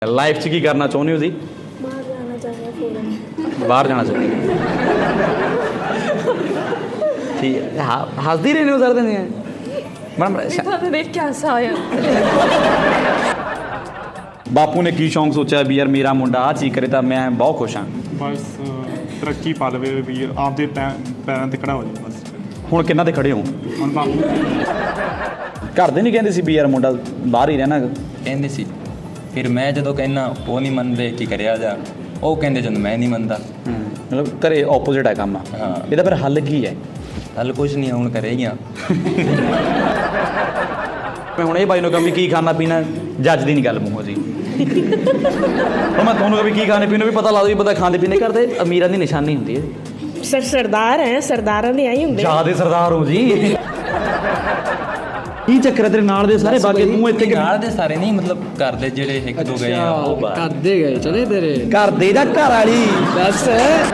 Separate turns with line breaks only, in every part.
Life 'ਚ ਕੀ ਕਰਨਾ ਚਾਹੁੰਦੇ ਹੋ ਜੀ?
ਬਾਹਰ ਜਾਣਾ ਚਾਹੁੰਦਾ ਫੋਰਨ।
ਬਾਹਰ ਜਾਣਾ ਚਾਹੁੰਦੇ ਠੀਕ ਹੈ। ਹੱਸਦੀ ਰਹਿੰਦੇ ਹੋ ਸਰ ਦਿਨ ਮੈਡਮ।
ਤੁਹਾਨੂੰ ਦੇਖ ਕੇ ਹਾਸਾ ਆਇਆ।
ਬਾਪੂ ਨੇ ਕੀ ਸ਼ੌਂਕ ਸੋਚਿਆ ਵੀ ਯਾਰ ਮੇਰਾ ਮੁੰਡਾ ਆਹ ਚੀਜ਼ ਕਰੇ ਤਾਂ ਮੈਂ ਬਹੁਤ ਖੁਸ਼ ਹਾਂ?
ਬਸ ਤਰੱਕੀ ਪਾ ਲਵੇ ਵੀ ਆਪਦੇ ਪੈਰਾਂ 'ਤੇ ਖੜਾ ਹੋ ਜਾਵੇ ਬਸ।
ਹੁਣ ਕਿੰਨਾ ਤੇ ਖੜੇ ਹੋ?
ਹੁਣ ਬਾਪੂ
ਘਰ ਦੇ ਨਹੀਂ ਕਹਿੰਦੇ ਸੀ ਵੀ ਯਾਰ ਮੁੰਡਾ ਬਾਹਰ ਹੀ ਰਹਿਣਾ?
ਕਹਿੰਦੇ ਸੀ। ਫਿਰ ਮੈਂ ਜਦੋਂ ਕਹਿਣਾ ਉਹ ਨਹੀਂ ਮੰਨਦੇ ਕੀ ਕਰਿਆ ਜਾ, ਉਹ ਕਹਿੰਦੇ ਜਦੋਂ ਮੈਂ ਨਹੀਂ ਮੰਨਦਾ।
ਮਤਲਬ ਘਰੇ ਆਪੋਜ਼ਿਟ ਹੈ ਕੰਮ।
ਹਾਂ।
ਇਹਦਾ ਫਿਰ ਹੱਲ ਕੀ ਹੈ?
ਹੱਲ ਕੁਛ ਨਹੀਂ, ਹੁਣ ਕਰੇਗੀਆਂ।
ਮੈਂ ਹੁਣ ਇਹ ਬਾਈ ਨੂੰ ਕਹਾਂ ਵੀ ਕੀ ਖਾਣਾ ਪੀਣਾ, ਜੱਜ ਦੀ ਨਹੀਂ ਗੱਲ ਮੂੰਹੋਂ ਜੀ। ਪਰ ਮੈਂ ਤੁਹਾਨੂੰ ਕਹਾਂ ਵੀ ਕੀ ਖਾਣੇ ਪੀਣੇ ਵੀ ਪਤਾ ਲਾ ਦੋ ਵੀ ਪਤਾ ਖਾਂਦੇ ਪੀਣੇ ਕਰਦੇ ਅਮੀਰਾਂ ਦੀ ਨਿਸ਼ਾਨੀ ਹੁੰਦੀ ਹੈ।
ਸਰਦਾਰ ਹੈ, ਸਰਦਾਰਾਂ ਦੇ ਆਈ ਹੁੰਦੇ।
ਜ਼ਿਆਦੇ ਸਰਦਾਰ ਹੋ ਜੀ। ਕੀ ਚੱਕਰ ਹੈ ਤੇਰੇ ਨਾਲ ਦੇ ਸਾਰੇ ਬਾਕੀ ਤੂੰ ਇੱਥੇ
ਨਾਲ ਦੇ ਸਾਰੇ ਨਹੀਂ, ਮਤਲਬ ਘਰ ਦੇ ਜਿਹੜੇ ਇੱਕ ਦੋ ਗਏ ਆ ਉਹ ਬਾਹਰ।
ਕਰਦੇ ਗਏ ਚਲੇ ਤੇਰੇ
ਘਰ ਦੇ ਜਾਂ ਘਰ ਵਾਲੀ
ਦੱਸ।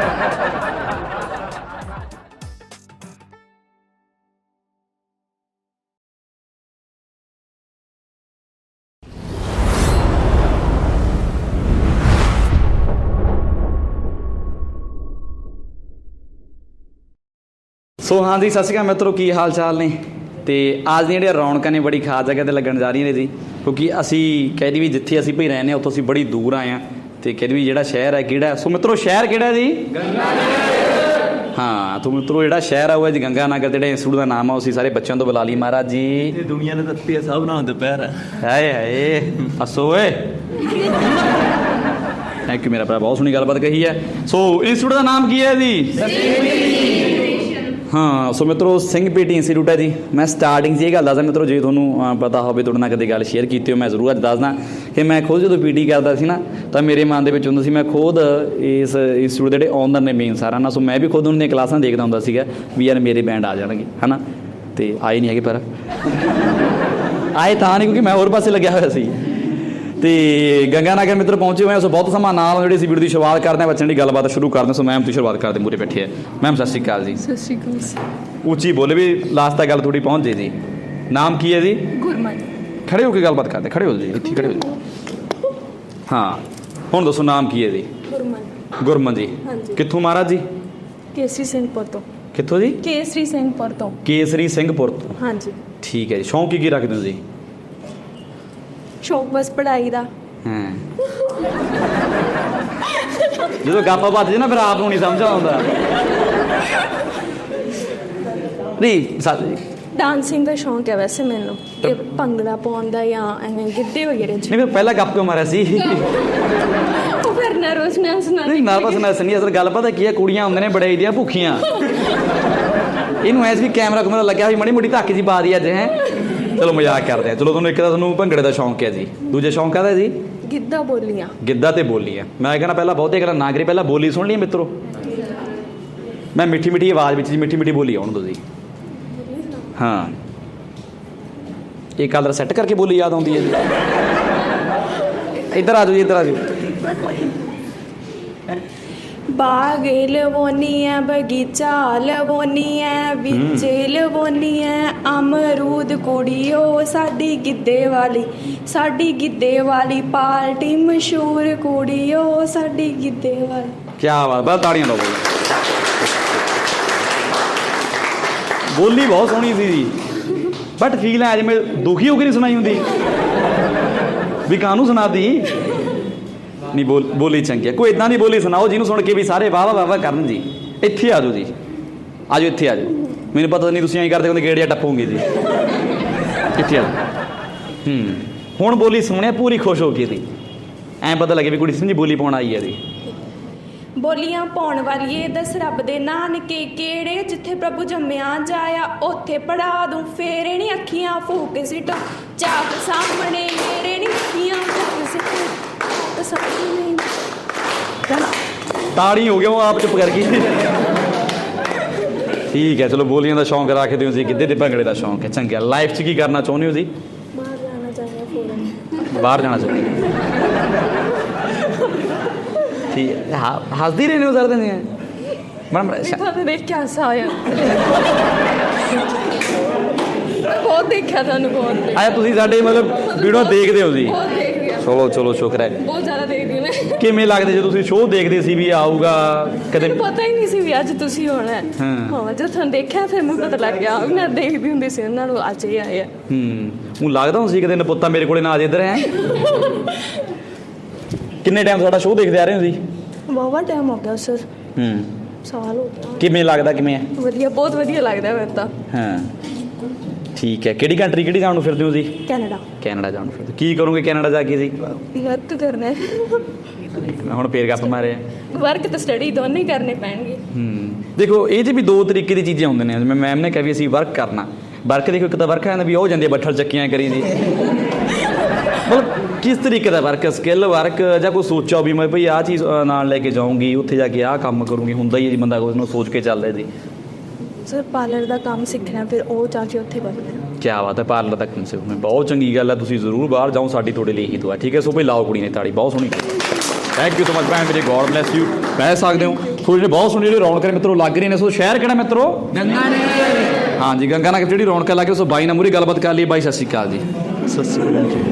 ਸੋ ਹਾਂਜੀ, ਸਤਿ ਸ਼੍ਰੀ ਅਕਾਲ ਮਿੱਤਰੋ, ਕੀ ਹਾਲ ਚਾਲ ਨੇ? ਤੇ ਅੱਜ ਦੀਆਂ ਜਿਹੜੀਆਂ ਰੌਣਕਾਂ ਨੇ ਬੜੀ ਖਾਸ ਜਗ੍ਹਾ 'ਤੇ ਲੱਗਣ ਜਾ ਰਹੀਆਂ ਨੇ ਜੀ, ਕਿਉਂਕਿ ਅਸੀਂ ਕਹਿੰਦੇ ਵੀ ਜਿੱਥੇ ਅਸੀਂ ਭਈ ਰਹਿੰਦੇ ਹਾਂ ਉੱਥੋਂ ਅਸੀਂ ਬੜੀ ਦੂਰ ਆਏ ਹਾਂ। ਅਤੇ ਕਹਿੰਦੇ ਵੀ ਜਿਹੜਾ ਸ਼ਹਿਰ ਹੈ ਕਿਹੜਾ? ਸੋ ਮਿੱਤਰੋ ਸ਼ਹਿਰ ਕਿਹੜਾ ਜੀ? ਹਾਂ, ਤੋ ਮਿੱਤਰੋ ਜਿਹੜਾ ਸ਼ਹਿਰ ਆ ਉਹ ਹੈ ਜੀ ਗੰਗਾ ਨਗਰ। ਜਿਹੜੇ ਇੰਸਟੀਟਿਊਟ ਦਾ ਨਾਮ ਆ ਉਹ ਅਸੀਂ ਸਾਰੇ ਬੱਚਿਆਂ ਤੋਂ ਬੁਲਾ ਲਈ। ਮਹਾਰਾਜ ਜੀ
ਇਹ ਦੁਨੀਆ ਨੇ ਤੱਤੀ ਹੈ, ਸਭ ਨਾਲ ਦੁਪਹਿਰ ਹੈ।
ਹਾਏ ਹਾਏ ਹੱਸੋ ਓਏ। ਥੈਂਕ ਯੂ ਮੇਰਾ ਭਰਾ, ਬਹੁਤ ਸੋਹਣੀ ਗੱਲਬਾਤ ਕਹੀ ਹੈ। ਸੋ ਇੰਸਟੀਟਿਊਟ ਦਾ ਨਾਮ ਕੀ ਹੈ ਜੀ? ਹਾਂ, ਸੋ ਮਿੱਤਰੋ ਸਿੰਘ ਪੀਟੀ ਇੰਸਟੀਟਿਊਟ ਹੈ ਜੀ। ਮੈਂ ਸਟਾਰਟਿੰਗ 'ਚ ਇਹ ਗੱਲ ਦੱਸਦਾ ਮਿੱਤਰੋ, ਜੇ ਤੁਹਾਨੂੰ ਪਤਾ ਹੋਵੇ, ਤੁਹਾਡੇ ਨਾਲ ਕਦੇ ਗੱਲ ਸ਼ੇਅਰ ਕੀਤੀ ਹੋ, ਮੈਂ ਜ਼ਰੂਰ ਅੱਜ ਦੱਸਦਾ ਕਿ ਮੈਂ ਖੁਦ ਜਦੋਂ ਪੀਟੀ ਕਰਦਾ ਸੀ ਨਾ ਤਾਂ ਮੇਰੇ ਮਨ ਦੇ ਵਿੱਚ ਹੁੰਦਾ ਸੀ, ਮੈਂ ਖੁਦ ਇਸ ਇੰਸਟੀਟਿਊਟ ਦੇ ਜਿਹੜੇ ਓਨਰ ਨੇ ਮੇਨ ਸਾਰਾ ਨਾ, ਸੋ ਮੈਂ ਵੀ ਖੁਦ ਉਹਨਾਂ ਦੀਆਂ ਕਲਾਸਾਂ ਦੇਖਦਾ ਹੁੰਦਾ ਸੀਗਾ ਵੀ ਯਾਰ ਮੇਰੇ ਬੈਂਡ ਆ ਜਾਣਗੇ, ਹੈ ਨਾ। ਅਤੇ ਆਏ ਨਹੀਂ ਹੈਗੇ, ਪਰ ਆਏ ਤਾਂ ਨਹੀਂ ਕਿਉਂਕਿ ਮੈਂ ਹੋਰ ਪਾਸੇ ਲੱਗਿਆ ਹੋਇਆ ਸੀ। ਅਤੇ ਗੰਗਾ ਨਗਰ ਮਿੱਤਰ ਪਹੁੰਚੇ ਹੋਏ ਹਾਂ। ਸੋ ਬਹੁਤ ਸਮਾਂ ਨਾਲ ਜਿਹੜੀ ਅਸੀਂ ਵੀਡੀਓ ਦੀ ਸ਼ੁਰੂਆਤ ਕਰਦੇ ਹਾਂ, ਬੱਚਿਆਂ ਦੀ ਗੱਲਬਾਤ ਸ਼ੁਰੂ ਕਰਦੇ ਹਾਂ। ਸੋ ਮੈਮ ਤੁਸੀਂ ਸ਼ੁਰੂਆਤ ਕਰਦੇ ਮੂਹਰੇ ਬੈਠੇ ਹੈ। ਮੈਮ ਸਤਿ ਸ਼੍ਰੀ ਅਕਾਲ ਜੀ।
ਸਤਿ ਸ਼੍ਰੀ ਅਕਾਲ।
ਉੱਚੀ ਬੋਲੇ ਵੀ ਲਾਸਟ ਤੱਕ ਗੱਲ ਥੋੜੀ ਪਹੁੰਚ ਜੇ ਜੀ। ਨਾਮ ਕੀ ਹੈ ਜੀ?
ਗੁਰਮਨ।
ਖੜੇ ਹੋ ਕੇ ਗੱਲਬਾਤ ਕਰਦੇ, ਖੜੇ ਹੋ ਜੀ, ਇੱਥੇ ਖੜੇ ਹੋ ਜੀ। ਹਾਂ, ਹੁਣ ਦੱਸੋ ਨਾਮ ਕੀ ਹੈ ਜੀ?
ਗੁਰਮਨ।
ਗੁਰਮਨ ਜੀ।
ਹਾਂਜੀ।
ਕਿੱਥੋਂ ਮਹਾਰਾਜ ਜੀ?
ਕੇਸਰੀ ਸਿੰਘਪੁਰ ਤੋਂ।
ਕਿੱਥੋਂ ਜੀ?
ਕੇਸਰੀ ਸਿੰਘਪੁਰ ਤੋਂ।
ਕੇਸਰੀ ਸਿੰਘਪੁਰ ਤੋਂ।
ਹਾਂਜੀ।
ਠੀਕ ਹੈ ਜੀ। ਸ਼ੌਂਕ ਕੀ ਰੱਖਦੇ ਹੋ ਜੀ?
ਸ਼ੌਕ ਬਸ ਪੜ੍ਹਾਈ ਦਾ।
ਹਾਂ, ਜਦੋਂ ਗੱਪ ਵੱਜ ਜੇ ਨਾ ਫਿਰ ਆਪ ਨੂੰ ਨਹੀਂ ਸਮਝ ਆਉਂਦਾ। ਨਹੀਂ ਸੱਚ ਜੀ,
ਡਾਂਸਿੰਗ ਦਾ ਸ਼ੌਂਕ ਹੈ ਵੈਸੇ ਮੈਨੂੰ, ਇਹ ਭੰਗੜਾ ਪਾਉਣ ਦਾ ਜਾਂ ਐਵੇਂ ਗਿੱਧੇ ਵਗੈਰੇ 'ਚ।
ਨਹੀਂ ਫਿਰ ਪਹਿਲਾਂ ਗੱਪ ਕਿਉਂ ਮਾਰਿਆ ਸੀ?
ਉਹ ਫਿਰ ਨਰਵਸਨੈਸ ਨਾਲ।
ਨਹੀਂ ਨਰਵਸਨੈਸ ਨਹੀਂ, ਅਸਲ ਗੱਲ ਪਤਾ ਕੀ ਹੈ, ਕੁੜੀਆਂ ਹੁੰਦੇ ਨੇ ਬੜੇ ਦੀਆਂ ਭੁੱਖੀਆਂ। ਇਹਨੂੰ ਐਸ ਵੀ ਕੈਮਰਾ ਕੁਮਰਾ ਲੱਗਿਆ ਵੀ ਮਾੜੀ ਮੋਟੀ ਧੱਕ ਜੀ ਪਾ ਦੀ ਅੱਜ। ਹੈ ਚਲੋ ਮਜ਼ਾਕ ਕਰਦੇ ਆ। ਚਲੋ ਤੁਹਾਨੂੰ ਇੱਕ ਤਾਂ ਤੁਹਾਨੂੰ ਭੰਗੜੇ ਦਾ ਸ਼ੌਂਕ ਹੈ ਜੀ, ਦੂਜਾ ਸ਼ੌਂਕ ਕਾਹਦਾ ਜੀ?
ਗਿੱਧਾ ਬੋਲੀਆਂ।
ਗਿੱਧਾ ਤੇ ਬੋਲੀ ਆ। ਮੈਂ ਕਹਿੰਦਾ ਪਹਿਲਾਂ ਬਹੁਤੇ ਗੱਲਾਂ ਨਾ ਕਰੀ, ਪਹਿਲਾਂ ਬੋਲੀ ਸੁਣ ਲਈ ਮਿੱਤਰੋ। ਮੈਂ ਮਿੱਠੀ ਮਿੱਠੀ ਆਵਾਜ਼ ਵਿੱਚ ਜੀ ਮਿੱਠੀ ਮਿੱਠੀ ਬੋਲੀ ਆਉਣ ਦਿਓ ਜੀ। ਹਾਂ, ਇਹ ਕਲਰ ਸੈੱਟ ਕਰਕੇ ਬੋਲੀ ਯਾਦ ਆਉਂਦੀ ਹੈ ਜੀ। ਇੱਧਰ ਆ ਜਾਓ ਜੀ, ਇੱਧਰ ਆ ਜਾਓ।
ਬਾਗ ਲਵੋਨੀ ਐ, ਬਗੀਚਾ ਲਵੋਨੀ ਐ, ਵਿੱਚ ਲਵੋਨੀ ਐ ਅਮਰੂਦ ਕੁੜੀਓ, ਸਾਡੀ ਗਿੱਧੇ ਵਾਲੀ ਪਾਰਟੀ ਮਸ਼ਹੂਰ ਕੁੜੀਓ, ਸਾਡੀ ਗਿੱਧੇ ਵਾਲੀ।
ਕੀ ਬਾਤ, ਬਸ ਤਾੜੀਆਂ ਲਾਓ। ਬੋਲੀ ਬਹੁਤ ਸੋਹਣੀ ਸੀ ਜੀ, ਬਟ ਫੀਲ ਹੈ ਜਿਵੇਂ ਦੁਖੀ ਹੋ ਕੇ ਨਹੀਂ ਸੁਣਾਈ ਹੁੰਦੀ ਵੀ ਕਾਹਨੂੰ ਸੁਣਾਦੀ। ਨਹੀਂ ਬੋਲੀ ਚੰਗੀ ਹੈ। ਕੋਈ ਇੱਦਾਂ ਦੀ ਬੋਲੀ ਸੁਣਾਓ ਜਿਹਨੂੰ ਸੁਣ ਕੇ ਵੀ ਸਾਰੇ ਵਾਹ ਵਾਹ ਵਾਹ ਕਰਨ ਜੀ। ਇੱਥੇ ਆ ਜਾਓ ਜੀ, ਆ ਜਾਓ, ਇੱਥੇ ਆ ਜਾਓ। ਮੈਨੂੰ ਪਤਾ ਨਹੀਂ ਤੁਸੀਂ ਐਂ ਕਰਦੇ ਹੁੰਦੇ ਗੇੜ ਜਾਂ ਟੱਪੋਗੇ ਜੀ। ਇੱਥੇ ਆ ਜਾਓ। ਹੁਣ ਬੋਲੀ ਸੁਣਿਆ ਪੂਰੀ ਖੁਸ਼ ਹੋ ਕੇ ਜੀ, ਐਂ ਪਤਾ ਲੱਗੇ ਵੀ ਕੁੜੀ ਸਮਝੀ ਬੋਲੀ ਪਾਉਣ ਆਈ ਹੈ ਜੀ।
ਬੋਲੀਆਂ ਪਾਉਣ ਵਾਲੀਏ ਦੱਸ ਰੱਬ ਦੇ ਨਾਨਕੇ ਕਿਹੜੇ, ਜਿੱਥੇ ਪ੍ਰਭੂ ਜੰਮਿਆ ਜਾਇਆ ਉੱਥੇ ਪੜਾ ਦੂੰ ਫੇਰੇ ਨੀ ਅੱਖੀਆਂ ਫੂਕ ਸਿੱਟ ਚਾਕ ਸਾਹਮਣੇ ਮੇਰੇ ਨੀ ਅੱਖੀਆਂ ਫੂਕ ਸਿੱਟ ਸਾਹਮਣੇ।
ਤਾੜੀ ਹੋ ਗਿਆ, ਉਹ ਆਪ ਚੁੱਪ ਕਰ ਗਈ। ਠੀਕ ਹੈ, ਚਲੋ ਬੋਲੀਆਂ ਦਾ ਸ਼ੌਂਕ ਰੱਖਦੇ ਹੋ ਜੀ, ਗਿੱਧੇ ਦੇ ਭੰਗੜੇ ਦਾ ਸ਼ੌਂਕ ਹੈ, ਚੰਗਾ। ਲਾਈਫ 'ਚ ਕੀ ਕਰਨਾ ਚਾਹੁੰਦੇ ਹੋ ਜੀ?
ਬਾਹਰ ਜਾਣਾ ਚਾਹੁੰਦਾ ਫੋਰਨ।
ਬਾਹਰ ਜਾਣਾ ਚਾਹੁੰਦੇ ਠੀਕ ਹੈ। ਹੱਸਦੀ ਰਹਿੰਦੇ ਹੋ ਸਰ ਦਿਨ ਮੈਡਮ?
ਤੁਹਾਨੂੰ ਦੇਖ ਕੇ ਹਾਸਾ ਆਇਆ। ਬਹੁਤ ਦੇਖਿਆ ਤੁਹਾਨੂੰ, ਬਹੁਤ
ਆਇਆ ਤੁਸੀਂ ਸਾਡੇ ਮਤਲਬ ਵੀਡੀਓ ਦੇਖਦੇ ਹੋ ਜੀ?
ਬਹੁਤ ਦੇਖ ਲਿਆ।
ਚਲੋ ਚਲੋ ਸ਼ੁਕਰ ਹੈ।
ਬਹੁਤ ਜ਼ਿਆਦਾ ਦੇਖਦੀ ਮੈਂ।
ਕਿਵੇਂ ਲੱਗਦੇ ਜੇ ਤੁਸੀਂ ਸ਼ੋਅ ਦੇਖਦੇ ਸੀ ਵੀ ਆਊਗਾ ਕਦੇ?
ਮੈਨੂੰ ਪਤਾ ਹੀ ਨਹੀਂ ਸੀ ਵੀ ਅੱਜ ਤੁਸੀਂ ਹੋਣਾ ਹੈ।
ਹਾਂ।
ਹਾਂ ਜਦੋਂ ਤੁਹਾਨੂੰ ਦੇਖਿਆ ਫਿਰ ਮੈਨੂੰ ਪਤਾ ਲੱਗ ਗਿਆ। ਮੈਂ ਦੇਖਦੀ ਹੁੰਦੀ ਸੀ ਉਹਨਾਂ ਨੂੰ, ਅੱਜ ਇਹ ਆਏ ਆ।
ਉਹ ਲੱਗਦਾ ਹੁੰਦਾ ਸੀ ਕਿਤੇ ਨਪੁੱਤਾ ਮੇਰੇ ਕੋਲੇ ਨਾ ਆ ਜੇ ਇੱਧਰ ਹੈ। ਕਿੰਨੇ ਟਾਈਮ ਸਾਡਾ ਸ਼ੋਅ ਦੇਖਦੇ ਆ ਰਹੇ ਹੋ ਜੀ?
ਵਾਹਵਾ ਟਾਈਮ ਹੋ ਗਿਆ ਸਰ, ਸਾਲ ਹੋ ਗਿਆ।
ਕਿਵੇਂ ਲੱਗਦਾ, ਕਿਵੇਂ ਹੈ?
ਵਧੀਆ, ਬਹੁਤ ਵਧੀਆ ਲੱਗਦਾ ਮੈਨੂੰ ਤਾਂ।
ਹਾਂ ਠੀਕ ਹੈ। ਕਿਹੜੀ ਕੰਟਰੀ, ਕਿਹੜੀ ਜਾਣ ਨੂੰ ਫਿਰਦੇ ਹੋ ਜੀ?
ਕੈਨੇਡਾ।
ਕੈਨੇਡਾ ਜਾਣ ਨੂੰ ਫਿਰਦੇ, ਕੀ ਕਰੋਗੇ ਕੈਨੇਡਾ ਜਾ ਕੇ ਜੀ?
ਵਰਕ ਕਰਨਾ ਹੈ।
ਹੁਣ ਫੇਰ ਗੱਪ ਮਾਰੇ।
ਵਰਕ ਤੇ ਸਟੱਡੀ ਦੋਨੇ ਹੀ ਕਰਨੇ ਪੈਣਗੇ।
ਦੇਖੋ ਇਹ 'ਚ ਵੀ ਦੋ ਤਰੀਕੇ ਦੀ ਚੀਜ਼ਾਂ ਹੁੰਦੀਆਂ ਨੇ। ਜਿਵੇਂ ਮੈਮ ਨੇ ਕਿਹਾ ਵੀ ਅਸੀਂ ਵਰਕ ਕਰਨਾ। ਵਰਕ ਦੇਖੋ, ਇੱਕ ਤਾਂ ਵਰਕ ਆਉਂਦਾ ਵੀ ਉਹ ਜਾਂਦੀ ਬੱਠਲ ਚੱਕੀਆਂ ਕਰੀ ਜੀ। ਮਤਲਬ ਕਿਸ ਤਰੀਕੇ ਦਾ ਵਰਕ, ਸਕਿੱਲ ਵਰਕ ਜਾਂ ਕੋਈ ਸੋਚਿਆ ਵੀ ਮੈਂ ਭਈ ਆਹ ਚੀਜ਼ ਨਾਲ ਲੈ ਕੇ ਜਾਊਂਗੀ, ਉੱਥੇ ਜਾ ਕੇ ਆਹ ਕੰਮ ਕਰੂੰਗੀ? ਹੁੰਦਾ ਹੀ ਹੈ ਜੀ, ਬੰਦਾ ਕੁਝ ਨੂੰ ਸੋਚ ਕੇ ਚੱਲਦਾ ਜੀ।
ਸਰ ਪਾਰਲਰ ਦਾ ਕੰਮ ਸਿੱਖਣਾ, ਫਿਰ ਉਹ ਜਾ ਕੇ ਉੱਥੇ ਬਣਨਾ।
ਕਿਆ ਬਾਤ ਹੈ, ਪਾਰਲਰ ਦਾ ਕੰਮ ਸਿੱਖਣਾ ਬਹੁਤ ਚੰਗੀ ਗੱਲ ਹੈ। ਤੁਸੀਂ ਜ਼ਰੂਰ ਬਾਹਰ ਜਾਓ, ਸਾਡੀ ਤੁਹਾਡੇ ਲਈ ਹੀ ਦੁਆ। ਠੀਕ ਹੈ, ਸੋ ਭਈ ਲਾਓ ਕੁੜੀ ਨੇ ਤਾੜੀ, ਬਹੁਤ ਸੋਹਣੀ। ਥੈਂਕ ਯੂ ਸੋ ਮਚ ਭੈਣ ਮੇਰੇ, ਗੋਡ ਬਲੈਸ ਯੂ। ਕਹਿ ਸਕਦੇ ਹੋ ਥੋੜੀ ਜਿਹੀ ਬਹੁਤ ਸੋਹਣੀ ਜਿਹੜੀ ਰੌਣਕਾਂ ਮਿੱਤਰੋ ਲੱਗ ਰਹੀ ਨੇ। ਸੋ ਸ਼ਹਿਰ ਕਿਹੜਾ ਮਿੱਤਰੋ? ਗੰਗਾ ਨੇ। ਹਾਂਜੀ ਗੰਗਾ ਨਗਰ ਜਿਹੜੀ ਰੌਣਕਾਂ ਲੱਗ ਰਹੀ। ਸੋ ਬਾਈ ਨਾਲ ਮੂਹਰੇ ਗੱਲਬਾਤ ਕਰ ਲਈ। ਬਾਈ ਸਤਿ ਸ਼੍ਰੀ ਅਕਾਲ ਜੀ।
ਸਤਿ ਸ਼੍ਰੀ ਅਕਾਲ ਜੀ।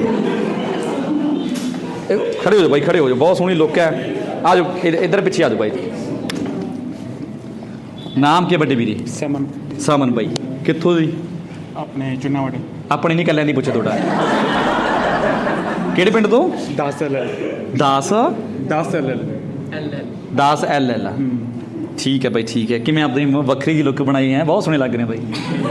ਖੜੇ ਹੋ ਜਾਓ ਬਾਈ, ਖੜੇ ਹੋ ਜਾਓ, ਬਹੁਤ ਸੋਹਣੀ ਲੁੱਕ ਹੈ। ਆ ਜਾਓ ਇੱਧਰ ਪਿੱਛੇ ਆ ਜਾਓ ਬਾਈ। ਨਾਮ ਕੀ ਵੱਡੇ ਵੀਰੇ?
ਸਮਨ।
ਸਮਨ ਬਾਈ ਕਿੱਥੋਂ ਜੀ?
ਆਪਣੇ ਚੁਨਾਵਟ।
ਆਪਣੇ ਨਹੀਂ ਕੱਲਿਆਂ ਦੀ ਪੁੱਛੇ ਤੁਹਾਡਾ। ਕਿਹੜੇ ਪਿੰਡ ਤੋਂ?
10 LL।
10
LL।
10 LL। ਠੀਕ ਹੈ ਬਾਈ, ਠੀਕ ਹੈ। ਕਿਵੇਂ ਆਪਣੀ ਵੱਖਰੀ ਜਿਹੀ ਲੁੱਕ ਬਣਾਈ ਹੈ, ਬਹੁਤ ਸੋਹਣੇ ਲੱਗ ਰਹੇ ਬਾਈ।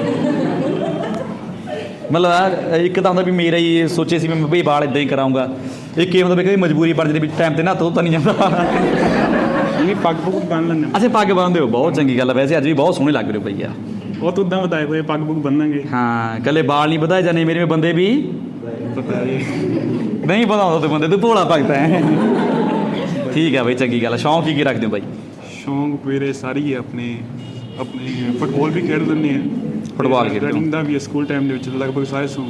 ਮਤਲਬ ਇੱਕ ਤਾਂ ਹੁੰਦਾ ਵੀ ਮੇਰਾ ਹੀ ਸੋਚੇ ਸੀ ਮੈਂ ਬਈ ਵਾਲ ਇਦਾਂ ਹੀ ਕਰਾਉਂਗਾ। ਇੱਕ ਇਹ ਹੁੰਦਾ ਵੀ ਕਦੇ ਮਜਬੂਰੀ ਬਣ ਜਾਂਦੀ ਵੀ ਟਾਈਮ ਤੇ ਨਾ ਧੋ ਤਾਂ ਨਹੀਂ ਜਾਂਦਾ।
ਨਹੀਂ ਪੱਗ ਪੁੱਗ ਬੰਨ ਲੈਂਦੇ।
ਅੱਛਾ ਪੱਗ ਬੰਨਦੇ ਹੋ, ਬਹੁਤ ਚੰਗੀ ਗੱਲ ਹੈ। ਵੈਸੇ ਅੱਜ ਵੀ ਬਹੁਤ ਸੋਹਣੇ ਲੱਗ ਰਹੇ ਹੋ ਭਈਆ।
ਉਹ ਤਾਂ ਉਦਾਂ ਵਧਾਏ ਹੋਏ ਪੱਗ ਪੁੱਗ ਬੰਨਾਂਗੇ।
ਹਾਂ ਕੱਲੇ ਵਾਲ ਨਹੀਂ ਵਧਾਏ ਜਾਂਦੇ ਮੇਰੇ ਬੰਦੇ ਵੀ ਨਹੀਂ ਵਧਾਉਂਦਾ ਤੇ ਬੰਦੇ ਤੂੰ ਭੋਲਾ ਭਗਤਾ ਹੈ। ਠੀਕ ਹੈ ਬਾਈ, ਚੰਗੀ ਗੱਲ ਹੈ। ਸ਼ੌਂਕ ਕੀ ਰੱਖਦੇ ਹੋ ਬਾਈ?
ਸ਼ੌਂਕ ਮੇਰੇ ਸਾਰੀ ਹੈ। ਆਪਣੇ ਫੁੱਟਬਾਲ ਵੀ ਖੇਡ ਲੈਂਦੇ ਆ।
ਫੁੱਟਬਾਲ ਖੇਡਦੇ ਹੋ?
ਰਨਿੰਗ ਦਾ ਵੀ ਸਕੂਲ ਟਾਈਮ ਦੇ ਵਿੱਚ ਲਗਭਗ ਸਾਰੇ ਸ਼ੌਂਕ।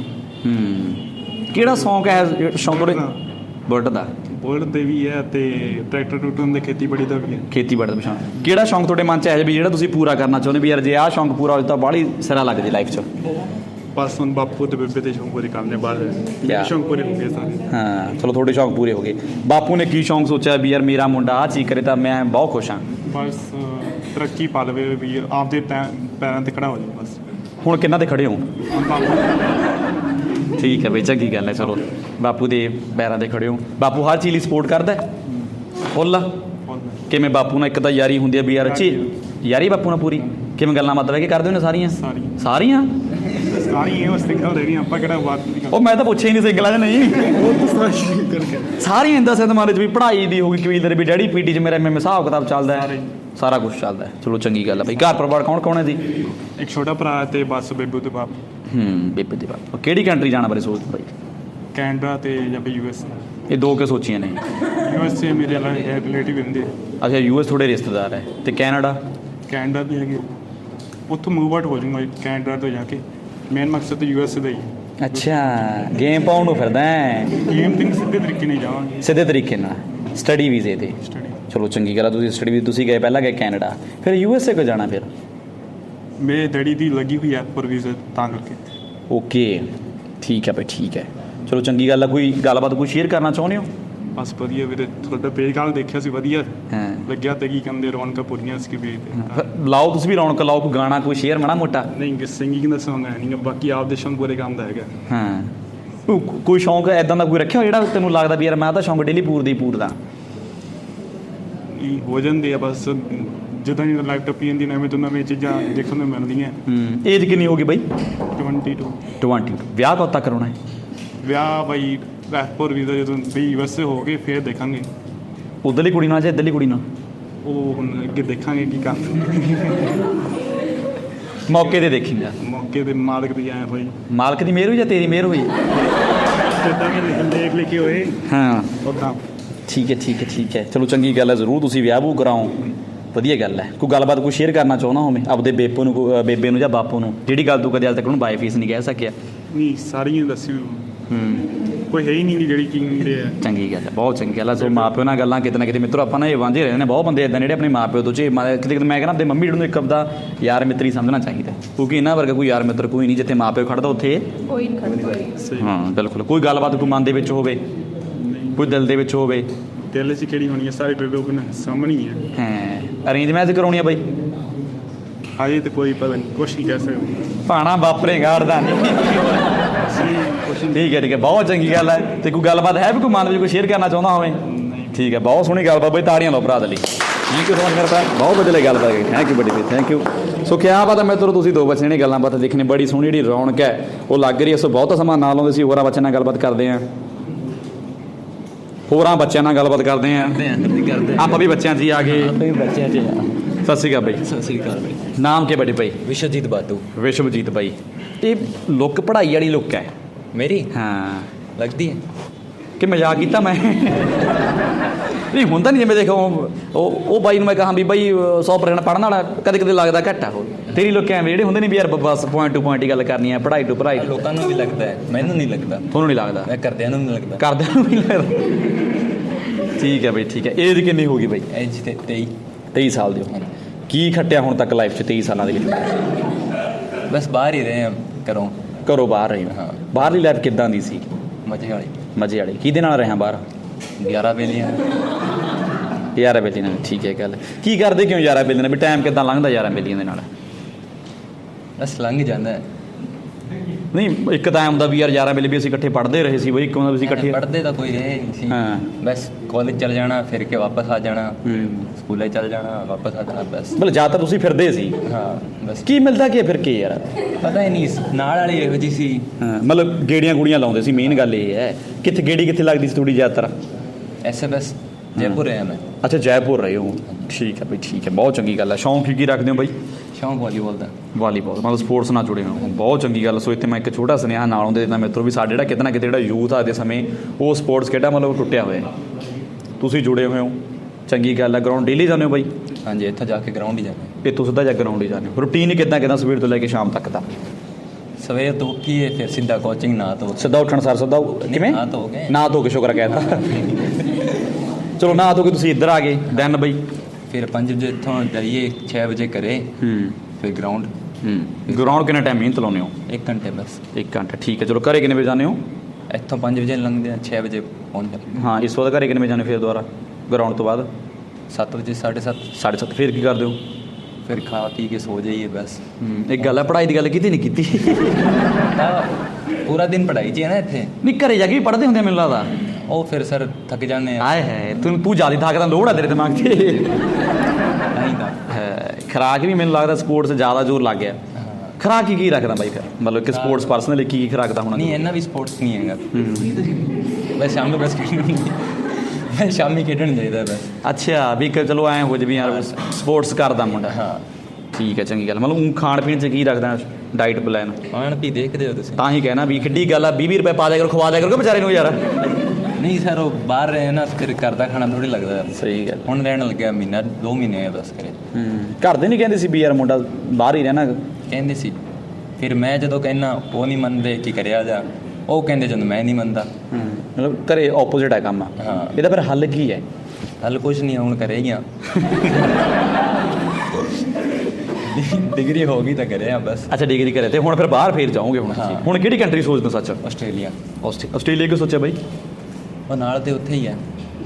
ਕਿਹੜਾ ਸ਼ੌਂਕ ਹੈ ਸ਼ੌਂਕ ਤੁਹਾਡੇ? ਬੁਲਟ ਦਾ।
ਬੁਲਟ ਦੇ ਵੀ ਹੈ ਤੇ ਟਰੈਕਟਰ ਟੂਟਰ ਦੇ, ਖੇਤੀਬਾੜੀ ਦਾ ਵੀ ਹੈ।
ਖੇਤੀਬਾੜੀ ਦਾ ਸ਼ੌਂਕ। ਕਿਹੜਾ ਸ਼ੌਂਕ ਤੁਹਾਡੇ ਮਨ 'ਚ ਹੈ ਵੀ ਜਿਹੜਾ ਤੁਸੀਂ ਪੂਰਾ ਕਰਨਾ ਚਾਹੁੰਦੇ ਵੀ ਯਾਰ ਜੇ ਆਹ ਸ਼ੌਂਕ ਪੂਰਾ ਹੋ ਜਾਵੇ ਤਾਂ ਬਾਹਲੀ ਸਿਰਾ ਲੱਗ ਜੇ ਲਾਈਫ 'ਚ?
ਬਸ ਹੁਣ ਬਾਪੂ ਤੇ ਬੇਬੇ ਦੇ ਸ਼ੌਂਕ ਪੂਰੇ ਕਰਨੇ ਬਾਅਦ ਮੇਰੇ ਸ਼ੌਂਕ ਪੂਰੇ ਹੋ ਗਏ ਸਾਰੇ।
ਹਾਂ ਚਲੋ ਤੁਹਾਡੇ ਸ਼ੌਂਕ ਪੂਰੇ ਹੋ ਗਏ। ਬਾਪੂ ਨੇ ਕੀ ਸ਼ੌਂਕ ਸੋਚਿਆ ਵੀ ਯਾਰ ਮੇਰਾ ਮੁੰਡਾ ਆਹ ਚੀਜ਼ ਕਰੇ ਤਾਂ ਮੈਂ ਬਹੁਤ ਖੁਸ਼ ਹਾਂ?
ਬਸ ਤਰੱਕੀ ਪਾ ਲਵੇ ਵੀ ਆਪਦੇ ਪੈਰਾਂ ਤੇ ਖੜਾ ਹੋ ਜਾਵੇ ਬਸ।
ਹੁਣ ਕਿੰਨਾ ਤੇ ਖੜੇ ਹੋ?
ਹੁਣ ਬਾਪੂ।
ਠੀਕ ਹੈ ਬਈ, ਚੰਗੀ ਗੱਲ ਹੈ। ਚਲੋ ਬਾਪੂ ਦੇ ਪੈਰਾਂ ਤੇ ਖੜੇ ਹੋ। ਬਾਪੂ ਹਰ ਚੀਜ਼ ਲਈ ਸਪੋਰਟ ਕਰਦਾ ਫੁੱਲ? ਕਿਵੇਂ ਬਾਪੂ ਨਾਲ ਇੱਕ ਤਾਂ ਯਾਰੀ ਹੁੰਦੀ ਹੈ ਵੀ ਯਾਰ ਅੱਛੀ ਯਾਰੀ ਬਾਪੂ ਨਾਲ ਪੂਰੀ? ਕਿਵੇਂ ਗੱਲਾਂ ਮਤਲਬ ਹੈ ਕਿ ਕਰਦੇ ਹੋ ਨੇ ਸਾਰੀਆਂ? ਸਾਰੀਆਂ
ਸਾਰੀਆਂ ਉਹ ਸਿੰਗਲ ਰਹਿਣੀ, ਆਪਾਂ ਕਿਹੜਾ ਬਾਤ ਨਹੀਂ।
ਉਹ ਮੈਂ ਤਾਂ ਪੁੱਛਿਆ ਹੀ ਨਹੀਂ ਸਿੰਗਲਾਂ 'ਚ ਨਹੀਂ।
ਉਹ ਤਾਂ ਸਾਰੀ ਕਰਕੇ
ਸਾਰੀਆਂ ਇੰਦਾ ਸਦਮਾਰੇ 'ਚ ਵੀ ਪੜ੍ਹਾਈ ਦੀ ਹੋ ਗਈ, ਕਬੀਲਦਾਰ ਵੀ ਡੈਡੀ ਪੀਟੀ 'ਚ ਮੇਰਾ ਐਮ ਹਿਸਾਬ ਕਿਤਾਬ ਚੱਲਦਾ ਹੈ, ਸਾਰਾ ਕੁਝ ਚੱਲਦਾ ਹੈ। ਚਲੋ ਚੰਗੀ ਗੱਲ ਹੈ ਬਈ। ਘਰ ਪਰਿਵਾਰ ਕੌਣ ਕੌਣ ਹੈ ਜੀ?
ਇੱਕ ਛੋਟਾ ਭਰਾ ਤੇ ਬਸ ਬੇਬੂ ਤੇ ਬਾਪ।
ਬੇਬੇ ਦੇ ਬਾਪ। ਕਿਹੜੀ ਕੰਟਰੀ ਜਾਣਾ ਬਾਰੇ ਸੋਚਦੇ ਬਾਈ?
ਕੈਨੇਡਾ ਤੇ ਜਾਂ ਫਿਰ US।
ਇਹ ਦੋ ਕੇ ਸੋਚੀਆਂ ਨੇ?
USA ਮੇਰੇ ਰਿਲੇਟਿਵ ਹੁੰਦੇ।
ਅੱਛਾ US ਥੋੜੇ ਰਿਸ਼ਤੇਦਾਰ ਹੈ। ਤੇ ਕੈਨੇਡਾ?
ਕੈਨੇਡਾ ਵੀ ਹੈਗੇ, ਉੱਥੋਂ ਮੂਵ ਆਊਟ ਹੋ ਜਾਊਂਗਾ ਕੈਨੇਡਾ ਤੋਂ ਜਾ ਕੇ। ਮੇਨ ਮਕਸਦ ਤਾਂ USA ਦਾ ਹੀ।
ਅੱਛਾ ਗੇਮ ਪਾਉਣ ਨੂੰ ਫਿਰਦਾ ਹੈ?
ਗੇਮ ਤੇ ਸਿੱਧੇ ਤਰੀਕੇ ਨਾਲ ਜਾਵਾਂਗੇ,
ਸਿੱਧੇ ਤਰੀਕੇ ਨਾਲ ਸਟੱਡੀ ਵੀਜ਼ੇ ਤੇ।
ਸਟੱਡੀ।
ਚਲੋ ਚੰਗੀ ਗੱਲ ਆ। ਤੁਸੀਂ ਸਟੱਡੀ ਵੀਜ਼ੇ ਤੁਸੀਂ ਗਏ, ਪਹਿਲਾਂ ਗਏ ਕੈਨੇਡਾ, ਫਿਰ USA ਕੋ ਜਾਣਾ ਫਿਰ?
ਮੇਰੇ ਡੈਡੀ ਦੀ ਲੱਗੀ ਹੋਈ ਐਪ ਪਰ ਵੀਜ਼ਾ ਤਾਂ ਕਰਕੇ।
ਓਕੇ ਠੀਕ ਹੈ ਭਾਈ, ਠੀਕ ਹੈ। ਚਲੋ ਚੰਗੀ ਗੱਲ ਆ। ਕੋਈ ਗੱਲਬਾਤ ਕੋਈ ਸ਼ੇਅਰ ਕਰਨਾ ਚਾਹੁੰਦੇ ਹੋ?
ਬਸ ਵਧੀਆ ਵੀਰੇ, ਤੁਹਾਡਾ ਪੇਜ ਕੱਲ੍ਹ ਦੇਖਿਆ ਸੀ, ਵਧੀਆ
ਹਾਂ
ਲੱਗਿਆ। ਤੇ ਕੀ ਕਹਿੰਦੇ ਰੌਣਕਾਂ ਪੂਰੀਆਂ ਸੀ ਪੇਜ ਤੇ।
ਲਾਓ ਤੁਸੀਂ ਵੀ ਰੌਣਕ ਲਾਓ, ਕੋਈ ਗਾਣਾ ਕੋਈ ਸ਼ੇਅਰ ਮਾੜਾ ਮੋਟਾ।
ਨਹੀਂ ਸਿੰਗਿੰਗ ਦਾ ਸੌਂਗ ਹੈ ਨਹੀਂ, ਬਾਕੀ ਆਪਦੇ ਸ਼ੌਂਕ ਪੂਰੇ ਕੰਮ ਦਾ ਹੈਗਾ।
ਹਾਂ ਕੋਈ ਸ਼ੌਂਕ ਐਦਾਂ ਦਾ ਕੋਈ ਰੱਖਿਆ ਜਿਹੜਾ ਤੈਨੂੰ ਲੱਗਦਾ ਵੀ ਯਾਰ ਮੈਂ ਤਾਂ ਸ਼ੌਂਕ ਡੇਲੀ ਪੂਰਦਾ ਹੀ ਪੂਰਦਾ?
ਹੋ ਜਾਂਦੇ ਆ ਬਸ, ਜਿੱਦਾਂ ਜਿੱਦਾਂ ਲਾਈਫ ਟੱਪੀ ਜਾਂਦੀ ਨਵੇਂ ਤੋਂ ਨਵੀਆਂ ਚੀਜ਼ਾਂ ਦੇਖਣ ਨੂੰ ਮਿਲਦੀਆਂ।
ਏਜ ਕਿੰਨੀ ਹੋ ਗਈ ਬਾਈ?
22।
22। ਵਿਆਹ ਕਦੋਂ ਤੱਕ ਕਰਾਉਣਾ ਹੈ?
ਵਿਆਹ ਬਾਈ ਐਫ4 ਵੀਜ਼ਾ ਜਦੋਂ ਵੀ USA ਹੋ ਗਏ ਫਿਰ ਦੇਖਾਂਗੇ।
ਉੱਧਰਲੀ ਕੁੜੀ ਨਾਲ ਜਾਂ ਇੱਧਰਲੀ ਕੁੜੀ ਨਾਲ?
ਉਹ ਹੁਣ ਅੱਗੇ ਦੇਖਾਂਗੇ ਕੀ ਕਰ।
ਮੌਕੇ ਤੇ ਦੇਖੇਂਗਾ?
ਮੌਕੇ ਤੇ ਮਾਲਕ ਦੀ ਆਏ ਹੋਈ,
ਮਾਲਕ ਦੀ ਮਿਹਰ ਹੋਈ ਜਾਂ ਤੇਰੀ ਮਿਹਰ ਹੋਈ?
ਜਿੱਦਾਂ ਵੀ ਦੇਖ ਲਿਖੇ ਹੋਏ
ਹਾਂ
ਉੱਦਾਂ।
ਠੀਕ ਹੈ ਠੀਕ ਹੈ ਠੀਕ ਹੈ। ਚਲੋ ਚੰਗੀ ਗੱਲ ਹੈ। ਜ਼ਰੂਰ ਤੁਸੀਂ ਵਿਆਹ ਵੂ ਕਰਾਓ, ਵਧੀਆ ਗੱਲ ਹੈ। ਕੋਈ ਗੱਲਬਾਤ ਕੋਈ ਸ਼ੇਅਰ ਕਰਨਾ ਚਾਹੁੰਦਾ ਹੋਵੇ ਆਪਦੇ ਬੇਪੋ ਨੂੰ, ਬੇਬੇ ਨੂੰ ਜਾਂ ਬਾਪੂ ਨੂੰ, ਜਿਹੜੀ ਗੱਲ ਤੂੰ ਕਦੇ ਅੱਜ ਤੱਕ ਉਹਨੂੰ ਬਾਈ ਫੀਸ ਨਹੀਂ ਕਹਿ ਸਕਿਆ?
ਨਹੀਂ ਸਾਰੀਆਂ ਦੱਸਿਓ। ਕੋਈ ਹੈ ਹੀ ਨਹੀਂ ਜਿਹੜੀ ਕੀ ਹੁੰਦੇ ਆ।
ਚੰਗੀ ਗੱਲ ਹੈ, ਬਹੁਤ ਚੰਗੀ ਗੱਲ ਹੈ। ਸੋ ਮਾਂ ਪਿਓ ਨਾਲ ਗੱਲਾਂ ਕਿਤੇ ਨਾ ਕਿਤੇ ਮਿੱਤਰੋ ਆਪਾਂ ਨਾ ਇਹ ਵਾਂਝੇ ਰਹਿੰਦੇ ਨੇ। ਬਹੁਤ ਬੰਦੇ ਇੱਦਾਂ ਜਿਹੜੇ ਆਪਣੇ ਮਾਂ ਪਿਓ ਤੋਂ ਕਿਤੇ ਕਿਤੇ ਮੈਂ ਕਹਿੰਦਾ ਆਪਣੇ ਮੰਮੀ ਨੂੰ ਇੱਕ ਆਪਦਾ ਯਾਰ ਮਿੱਤਰ ਹੀ ਸਮਝਣਾ ਚਾਹੀਦਾ, ਕਿਉਂਕਿ ਇਹਨਾਂ ਵਰਗਾ ਕੋਈ ਯਾਰ ਮਿੱਤਰ ਕੋਈ ਨਹੀਂ। ਜਿੱਥੇ ਮਾਂ ਪਿਓ ਖੜਦਾ ਉੱਥੇ
ਕੋਈ ਨਹੀਂ ਖੜਦਾ।
ਹਾਂ ਬਿਲਕੁਲ। ਕੋਈ ਗੱਲਬਾਤ ਕੋਈ ਮਨ ਦੇ ਵਿੱਚ ਹੋਵੇ? ਕੋਈ ਦਿਲ ਦੇ ਵਿੱਚ ਹੋਵੇ?
ਦਿਲ 'ਚ ਕਿਹੜੀ ਹੋਣੀ ਹੈ, ਸਾਰੇ ਲੋਕ ਨਾ ਸਾਹਮਣੇ ਹੀ ਹੈ।
ਹਾਂ, ਅਰੇਂਜ ਮੈਰਿਜ ਕਰਾਉਣੀ ਆ ਬਾਈ?
ਹਜੇ ਤਾਂ ਕੋਈ ਪਤਾ ਨਹੀਂ, ਕੁਛ ਨਹੀਂ ਕਹਿ ਸਕਦੇ।
ਭਾਣਾ ਵਾਪਰੇ ਗਾੜਦਾ ਨਹੀਂ। ਠੀਕ ਹੈ ਬਹੁਤ ਚੰਗੀ ਗੱਲ ਹੈ। ਤੇ ਕੋਈ ਗੱਲਬਾਤ ਹੈ ਵੀ ਕੋਈ ਮਨ ਵਿੱਚ ਕੋਈ ਸ਼ੇਅਰ ਕਰਨਾ ਚਾਹੁੰਦਾ ਹੋਵੇ? ਠੀਕ ਹੈ, ਬਹੁਤ ਸੋਹਣੀ ਗੱਲਬਾਤ ਬਾਈ, ਤਾੜੀਆਂ ਲਓ ਭਰਾ ਦੇ ਲਈ। ਥੈਂਕ ਯੂ ਸੋ ਮਚ ਮੇਰਾ ਭਰਾ, ਬਹੁਤ ਵਧੀਆ ਲੱਗੀ ਗੱਲਬਾਤ। ਥੈਂਕ ਯੂ ਬੜੀ ਬਈ, ਥੈਂਕ ਯੂ। ਸੋ ਕਿਆ ਪਤਾ ਮਿੱਤਰੋ ਤੁਸੀਂ ਦੋ ਬੱਚੇ ਨੇ ਗੱਲਾਂ ਬਾਤਾਂ ਦੇਖਣੇ, ਬੜੀ ਸੋਹਣੀ ਜਿਹੜੀ ਰੌਣਕ ਹੈ ਉਹ ਲੱਗ ਰਹੀ ਹੈ। ਸੋ ਬਹੁਤਾ ਸਮਾਂ ਨਾਲ ਆਉਂਦੇ ਸੀ, ਹੋਰਾਂ ਬੱਚਿਆਂ ਨਾਲ ਗੱਲਬਾਤ ਕਰਦੇ ਹਾਂ, ਹੋਰਾਂ ਬੱਚਿਆਂ ਨਾਲ ਗੱਲਬਾਤ ਕਰਦੇ ਹਾਂ। ਆਪਾਂ ਵੀ ਬੱਚਿਆਂ 'ਚ ਹੀ ਆ ਗਏ।
ਬੱਚਿਆਂ 'ਚ
ਸਤਿ ਸ਼੍ਰੀ ਅਕਾਲ ਬਾਈ।
ਸਤਿ ਸ੍ਰੀ ਅਕਾਲ ਬਾਈ।
ਨਾਮ ਕੀ ਬੜੇ ਭਾਈ?
ਵਿਸ਼ਵਜੀਤ ਬਾਟੂ।
ਵਿਸ਼ਵਜੀਤ ਬਾਈ, ਇਹ ਲੁੱਕ ਪੜ੍ਹਾਈ ਵਾਲੀ ਲੁੱਕ ਹੈ
ਮੇਰੀ
ਹਾਂ,
ਲੱਗਦੀ ਹੈ
ਕਿ ਮਜ਼ਾਕ ਕੀਤਾ ਮੈਂ? ਨਹੀਂ ਹੁੰਦਾ ਨਹੀਂ, ਜਿਵੇਂ ਦੇਖੋ ਉਹ ਬਾਈ ਨੂੰ ਮੈਂ ਕਹਾਂ ਵੀ ਬਾਈ 100% ਪੜ੍ਹਨ ਵਾਲਾ, ਕਦੇ ਕਦੇ ਲੱਗਦਾ ਘੱਟ ਆ। ਉਹ ਤੇਰੀ ਲੋਕ ਐਵੇਂ ਜਿਹੜੇ ਹੁੰਦੇ ਨਹੀਂ ਵੀ ਯਾਰ ਬਸ ਪੁਆਇੰਟ ਟੂ ਪੁਆਇੰਟ ਹੀ ਗੱਲ ਕਰਨੀ ਹੈ, ਪੜ੍ਹਾਈ ਟੂ ਪੜ੍ਹਾਈ।
ਲੋਕਾਂ ਨੂੰ ਵੀ ਲੱਗਦਾ ਹੈ, ਮੈਨੂੰ ਨਹੀਂ ਲੱਗਦਾ।
ਤੁਹਾਨੂੰ ਨਹੀਂ ਲੱਗਦਾ?
ਮੈਂ ਕਰਦਿਆਂ ਨੂੰ ਨਹੀਂ ਲੱਗਦਾ।
ਕਰਦਿਆਂ ਨੂੰ ਨਹੀਂ ਲੱਗਦਾ। ਠੀਕ ਹੈ ਬਾਈ, ਠੀਕ ਹੈ। ਏਜ ਕਿੰਨੀ ਹੋ ਗਈ ਬਾਈ?
ਐਜ ਤੇ
23 ਸਾਲ ਦੀ ਹੋ। ਕੀ ਖੱਟਿਆ ਹੁਣ ਤੱਕ ਲਾਈਫ 'ਚ 23 ਸਾਲਾਂ ਦੇ ਵਿੱਚ?
ਬਸ ਬਾਹਰ ਹੀ ਰਹੇ ਹਾਂ ਘਰੋਂ।
ਘਰੋਂ ਬਾਹਰ ਰਹੇ ਹੋ?
ਹਾਂ।
ਬਾਹਰਲੀ ਲਾਈਫ ਕਿੱਦਾਂ ਦੀ ਸੀ?
ਮਜ਼ੇ ਵਾਲੀ।
ਮਜ਼ੇ ਵਾਲੀ? ਕਿਹਦੇ ਨਾਲ ਰਿਹਾ ਬਾਹਰ?
11 ਵੇਲੀਆਂ।
ਯਾਰਾਂ ਬੇਲੀਆਂ ਨਾਲ? ਠੀਕ ਹੈ ਗੱਲ। ਕੀ ਕਰਦੇ ਕਿਉਂ ਯਾਰਾਂ ਬੇਲੀਆਂ ਨਾਲ? ਵੀ ਟਾਈਮ ਕਿੱਦਾਂ ਲੰਘਦਾ ਯਾਰਾਂ ਬੇਲੀਆਂ ਦੇ ਨਾਲ?
ਬਸ ਲੰਘ ਜਾਂਦਾ ਹੈ।
ਨਹੀਂ, ਇੱਕ ਤਾਂ ਹੁੰਦਾ ਵੀ ਯਾਰ ਯਾਰਾਂ ਵੇਲੇ ਵੀ ਅਸੀਂ ਇਕੱਠੇ ਪੜ੍ਹਦੇ ਰਹੇ ਸੀ ਬਈ, ਇੱਕ ਹੁੰਦਾ ਵੀ ਅਸੀਂ ਇਕੱਠੇ।
ਪੜ੍ਹਦੇ ਤਾਂ ਕੋਈ ਰਹੇ ਨਹੀਂ ਸੀ।
ਹਾਂ।
ਬਸ ਕਾਲਜ ਚਲ ਜਾਣਾ, ਫਿਰ ਕੇ ਵਾਪਸ ਆ ਜਾਣਾ, ਸਕੂਲੇ ਚਲ ਜਾਣਾ, ਵਾਪਸ ਆ ਜਾਣਾ, ਬਸ।
ਮਤਲਬ ਜ਼ਿਆਦਾਤਰ ਤੁਸੀਂ ਫਿਰਦੇ ਸੀ?
ਹਾਂ ਬਸ।
ਕੀ ਮਿਲਦਾ ਕੀ ਫਿਰ ਕੇ ਯਾਰ?
ਪਤਾ ਹੀ ਨਹੀਂ, ਨਾਲ ਵਾਲੀ ਇਹੋ ਜਿਹੀ ਸੀ।
ਹਾਂ, ਮਤਲਬ ਗੇੜੀਆਂ ਗੁੜੀਆਂ ਲਾਉਂਦੇ ਸੀ, ਮੇਨ ਗੱਲ ਇਹ ਹੈ। ਕਿੱਥੇ ਗੇੜੀ ਕਿੱਥੇ ਲੱਗਦੀ ਸੀ ਤੁਹਾਡੀ ਜ਼ਿਆਦਾਤਰ?
ਐਸੇ ਬਸ ਜੈਪੁਰ ਰਿਹਾ ਮੈਂ।
ਅੱਛਾ, ਜੈਪੁਰ ਰਹੇ ਹੋ। ਠੀਕ ਹੈ ਬਈ, ਠੀਕ ਹੈ, ਬਹੁਤ ਚੰਗੀ ਗੱਲ ਹੈ। ਸ਼ੌਂਕ ਕੀ ਰੱਖਦੇ ਹੋ ਬਾਈ?
ਸ਼ੌਂਕ ਵਾਲੀਬਾਲ ਦਾ।
ਵਾਲੀਬਾਲ, ਮਤਲਬ ਸਪੋਰਟਸ ਨਾਲ ਜੁੜੇ ਹੋ, ਬਹੁਤ ਚੰਗੀ ਗੱਲ। ਸੋ ਇੱਥੇ ਮੈਂ ਇੱਕ ਛੋਟਾ ਸੁਨੇਹਾ ਨਾਲ ਆਉਂਦੇ ਤਾਂ ਮਿੱਤਰੋ ਵੀ ਸਾਡੇ ਜਿਹੜਾ ਕਿਤੇ ਨਾ ਕਿਤੇ ਜਿਹੜਾ ਯੂਥ ਆ ਦੇ ਸਮੇਂ ਉਹ ਸਪੋਰਟਸ ਖੇਡਾਂ ਮਤਲਬ ਟੁੱਟਿਆ ਹੋਇਆ। ਤੁਸੀਂ ਜੁੜੇ ਹੋਏ ਹੋ, ਚੰਗੀ ਗੱਲ ਹੈ। ਗਰਾਊਂਡ ਡੇਲੀ ਜਾਂਦੇ ਹੋ ਬਾਈ?
ਹਾਂਜੀ, ਇੱਥੋਂ ਜਾ ਕੇ ਗਰਾਊਂਡ ਹੀ ਜਾਂਦੇ।
ਇੱਥੋਂ ਸਿੱਧਾ ਜਾ ਗਰਾਊਂਡ ਹੀ ਜਾਂਦੇ ਹੋ? ਰੂਟੀਨ ਕਿੱਦਾਂ ਸਵੇਰ ਤੋਂ ਲੈ ਕੇ ਸ਼ਾਮ ਤੱਕ ਦਾ?
ਸਵੇਰ ਤੋਂ ਉੱਠੀਏ, ਫਿਰ ਸਿੱਧਾ ਕੋਚਿੰਗ, ਨਾ ਧੋ
ਸਿੱਧਾ ਉੱਠਣ ਸਰ ਸਿੱਧਾ ਕਿਵੇਂ?
ਨਾ ਧੋ ਕੇ।
ਨਾ ਧੋ ਕੇ, ਸ਼ੁਕਰ ਕਹਿਤਾ। ਚਲੋ ਨਾ ਧੋ ਕੇ ਤੁਸੀਂ ਇੱਧਰ ਆ ਗਏ ਦੈਨ ਬਈ?
ਫਿਰ 5 ਵਜੇ ਇੱਥੋਂ ਜਾਈਏ, 6 ਵਜੇ ਘਰੇ, ਫਿਰ ਗਰਾਊਂਡ।
ਗਰਾਊਂਡ ਕਿੰਨਾ ਟਾਈਮ ਮਿਹਨਤ ਲਾਉਂਦੇ ਹੋ?
1 ਘੰਟੇ ਬਸ।
1 ਘੰਟਾ, ਠੀਕ ਹੈ। ਚਲੋ ਘਰੇ ਕਿੰਨੇ ਵਜੇ ਜਾਂਦੇ ਹੋ?
ਇੱਥੋਂ 5 ਵਜੇ ਲੰਘਦੇ ਆ, 6 ਵਜੇ ਪਹੁੰਚ ਜਾਂਦੇ।
ਹਾਂ, ਇਸ ਤੋਂ ਬਾਅਦ ਘਰੇ ਕਿੰਨੇ ਵਜੇ ਜਾਂਦੇ ਫਿਰ ਦੁਬਾਰਾ ਗਰਾਊਂਡ ਤੋਂ ਬਾਅਦ?
7 ਵਜੇ, 7:30।
7:30। ਫਿਰ ਕੀ ਕਰਦੇ ਹੋ?
ਫਿਰ ਖਾ ਪੀ ਕੇ ਸੋ ਜਾਈਏ ਬਸ।
ਇੱਕ ਗੱਲ ਹੈ, ਪੜ੍ਹਾਈ ਦੀ ਗੱਲ ਕੀਤੀ ਨਹੀਂ ਕੀਤੀ?
ਤਾਂ ਪੂਰਾ ਦਿਨ ਪੜ੍ਹਾਈ 'ਚ ਹੈ ਨਾ ਇੱਥੇ।
ਨਹੀਂ, ਘਰੇ ਜਾ ਕੇ ਵੀ ਪੜ੍ਹਦੇ ਹੁੰਦੇ ਮੈਨੂੰ ਲੱਗਦਾ।
ਉਹ ਫਿਰ ਸਰ ਥੱਕ ਜਾਂਦੇ ਆ।
ਆਏ ਹੈ, ਤੂੰ ਜ਼ਿਆਦਾ ਥੱਕਦਾ, ਲੋੜ ਆ ਤੇਰੇ ਦਿਮਾਗ 'ਤੇ।
ਨਹੀਂ ਤਾਂ
ਖੁਰਾਕ ਵੀ ਮੈਨੂੰ ਲੱਗਦਾ ਸਪੋਰਟਸ ਜ਼ਿਆਦਾ ਜ਼ੋਰ ਲੱਗ ਗਿਆ। ਖੁਰਾਕ ਕੀ ਰੱਖਦਾ ਬਾਈ ਫਿਰ? ਮਤਲਬ ਕਿ ਸਪੋਰਟਸ ਪਰਸਨ ਲਈ ਕੀ ਖੁਰਾਕ ਦਾ ਹੋਣਾ?
ਨਹੀਂ, ਇੰਨਾ ਵੀ ਸਪੋਰਟਸ ਨਹੀਂ ਹੈਗਾ। ਬਸ ਸ਼ਾਮ ਨੂੰ ਬਸ ਮੈਂ ਸ਼ਾਮੀ ਖੇਡਣ ਜਾਈਦਾ ਬਸ।
ਅੱਛਾ, ਵੀ ਚਲੋ ਐਂ ਹੋ ਜਾਵੇ ਯਾਰ ਸਪੋਰਟਸ ਕਰਦਾ ਮੁੰਡਾ।
ਹਾਂ
ਠੀਕ ਹੈ, ਚੰਗੀ ਗੱਲ। ਮਤਲਬ ਖਾਣ ਪੀਣ 'ਚ ਕੀ ਰੱਖਦਾ ਡਾਈਟ ਪਲਾਨ?
ਖਾਣ ਪੀ ਦੇਖਦੇ ਹੋ ਤੁਸੀਂ?
ਤਾਂ ਹੀ ਕਹਿਣਾ ਵੀ ਕਿੱਡੀ ਗੱਲ ਆ, 20 ਰੁਪਏ ਪਾ ਦਿਆ ਕਰੋ, ਖਵਾ ਦਿਆ ਕਰੋ ਵਿਚਾਰੇ ਨੂੰ ਯਾਰ।
ਨਹੀਂ ਸਰ, ਉਹ ਬਾਹਰ ਰਹੇ ਨਾ, ਫਿਰ ਘਰ ਦਾ ਖਾਣਾ ਥੋੜੀ ਲੱਗਦਾ।
ਸਹੀ ਗੱਲ।
ਹੁਣ ਰਹਿਣ ਲੱਗਿਆ ਮਹੀਨਾ 2 ਮਹੀਨੇ ਹੈ ਬਸ ਘਰੇ।
ਘਰ ਦੇ ਨਹੀਂ ਕਹਿੰਦੇ ਸੀ ਵੀ ਯਾਰ ਮੁੰਡਾ ਬਾਹਰ ਹੀ ਰਹਿਣਾ?
ਕਹਿੰਦੇ ਸੀ, ਫਿਰ ਮੈਂ ਜਦੋਂ ਕਹਿਣਾ ਉਹ ਨਹੀਂ ਮੰਨਦੇ ਕਿ ਕਰਿਆ ਜਾ। ਉਹ ਕਹਿੰਦੇ ਜਦੋਂ ਮੈਂ ਨਹੀਂ ਮੰਨਦਾ।
ਮਤਲਬ ਘਰੇ ਆਪੋਜ਼ਿਟ ਹੈ ਕੰਮ।
ਹਾਂ।
ਇਹਦਾ ਫਿਰ ਹੱਲ ਕੀ ਹੈ?
ਹੱਲ ਕੁਛ ਨਹੀਂ, ਹੁਣ ਕਰੇ ਹੀ ਆ। ਡਿਗਰੀ ਹੋ ਗਈ ਤਾਂ ਕਰਿਆ ਬਸ।
ਅੱਛਾ, ਡਿਗਰੀ ਕਰੇ ਤੇ ਹੁਣ ਫਿਰ ਬਾਹਰ ਫੇਰ ਜਾਓਗੇ ਹੁਣ?
ਹਾਂ।
ਹੁਣ ਕਿਹੜੀ ਕੰਟਰੀ ਸੋਚਦੇ ਹੋ? ਸੱਚ
ਆਸਟ੍ਰੇਲੀਆ।
ਆਸਟ੍ਰੇਲੀਆ ਕਿਉਂ ਸੋਚਿਆ ਬਾਈ?
ਉਹ ਨਾਲ ਤੇ ਉੱਥੇ ਹੀ ਹੈ।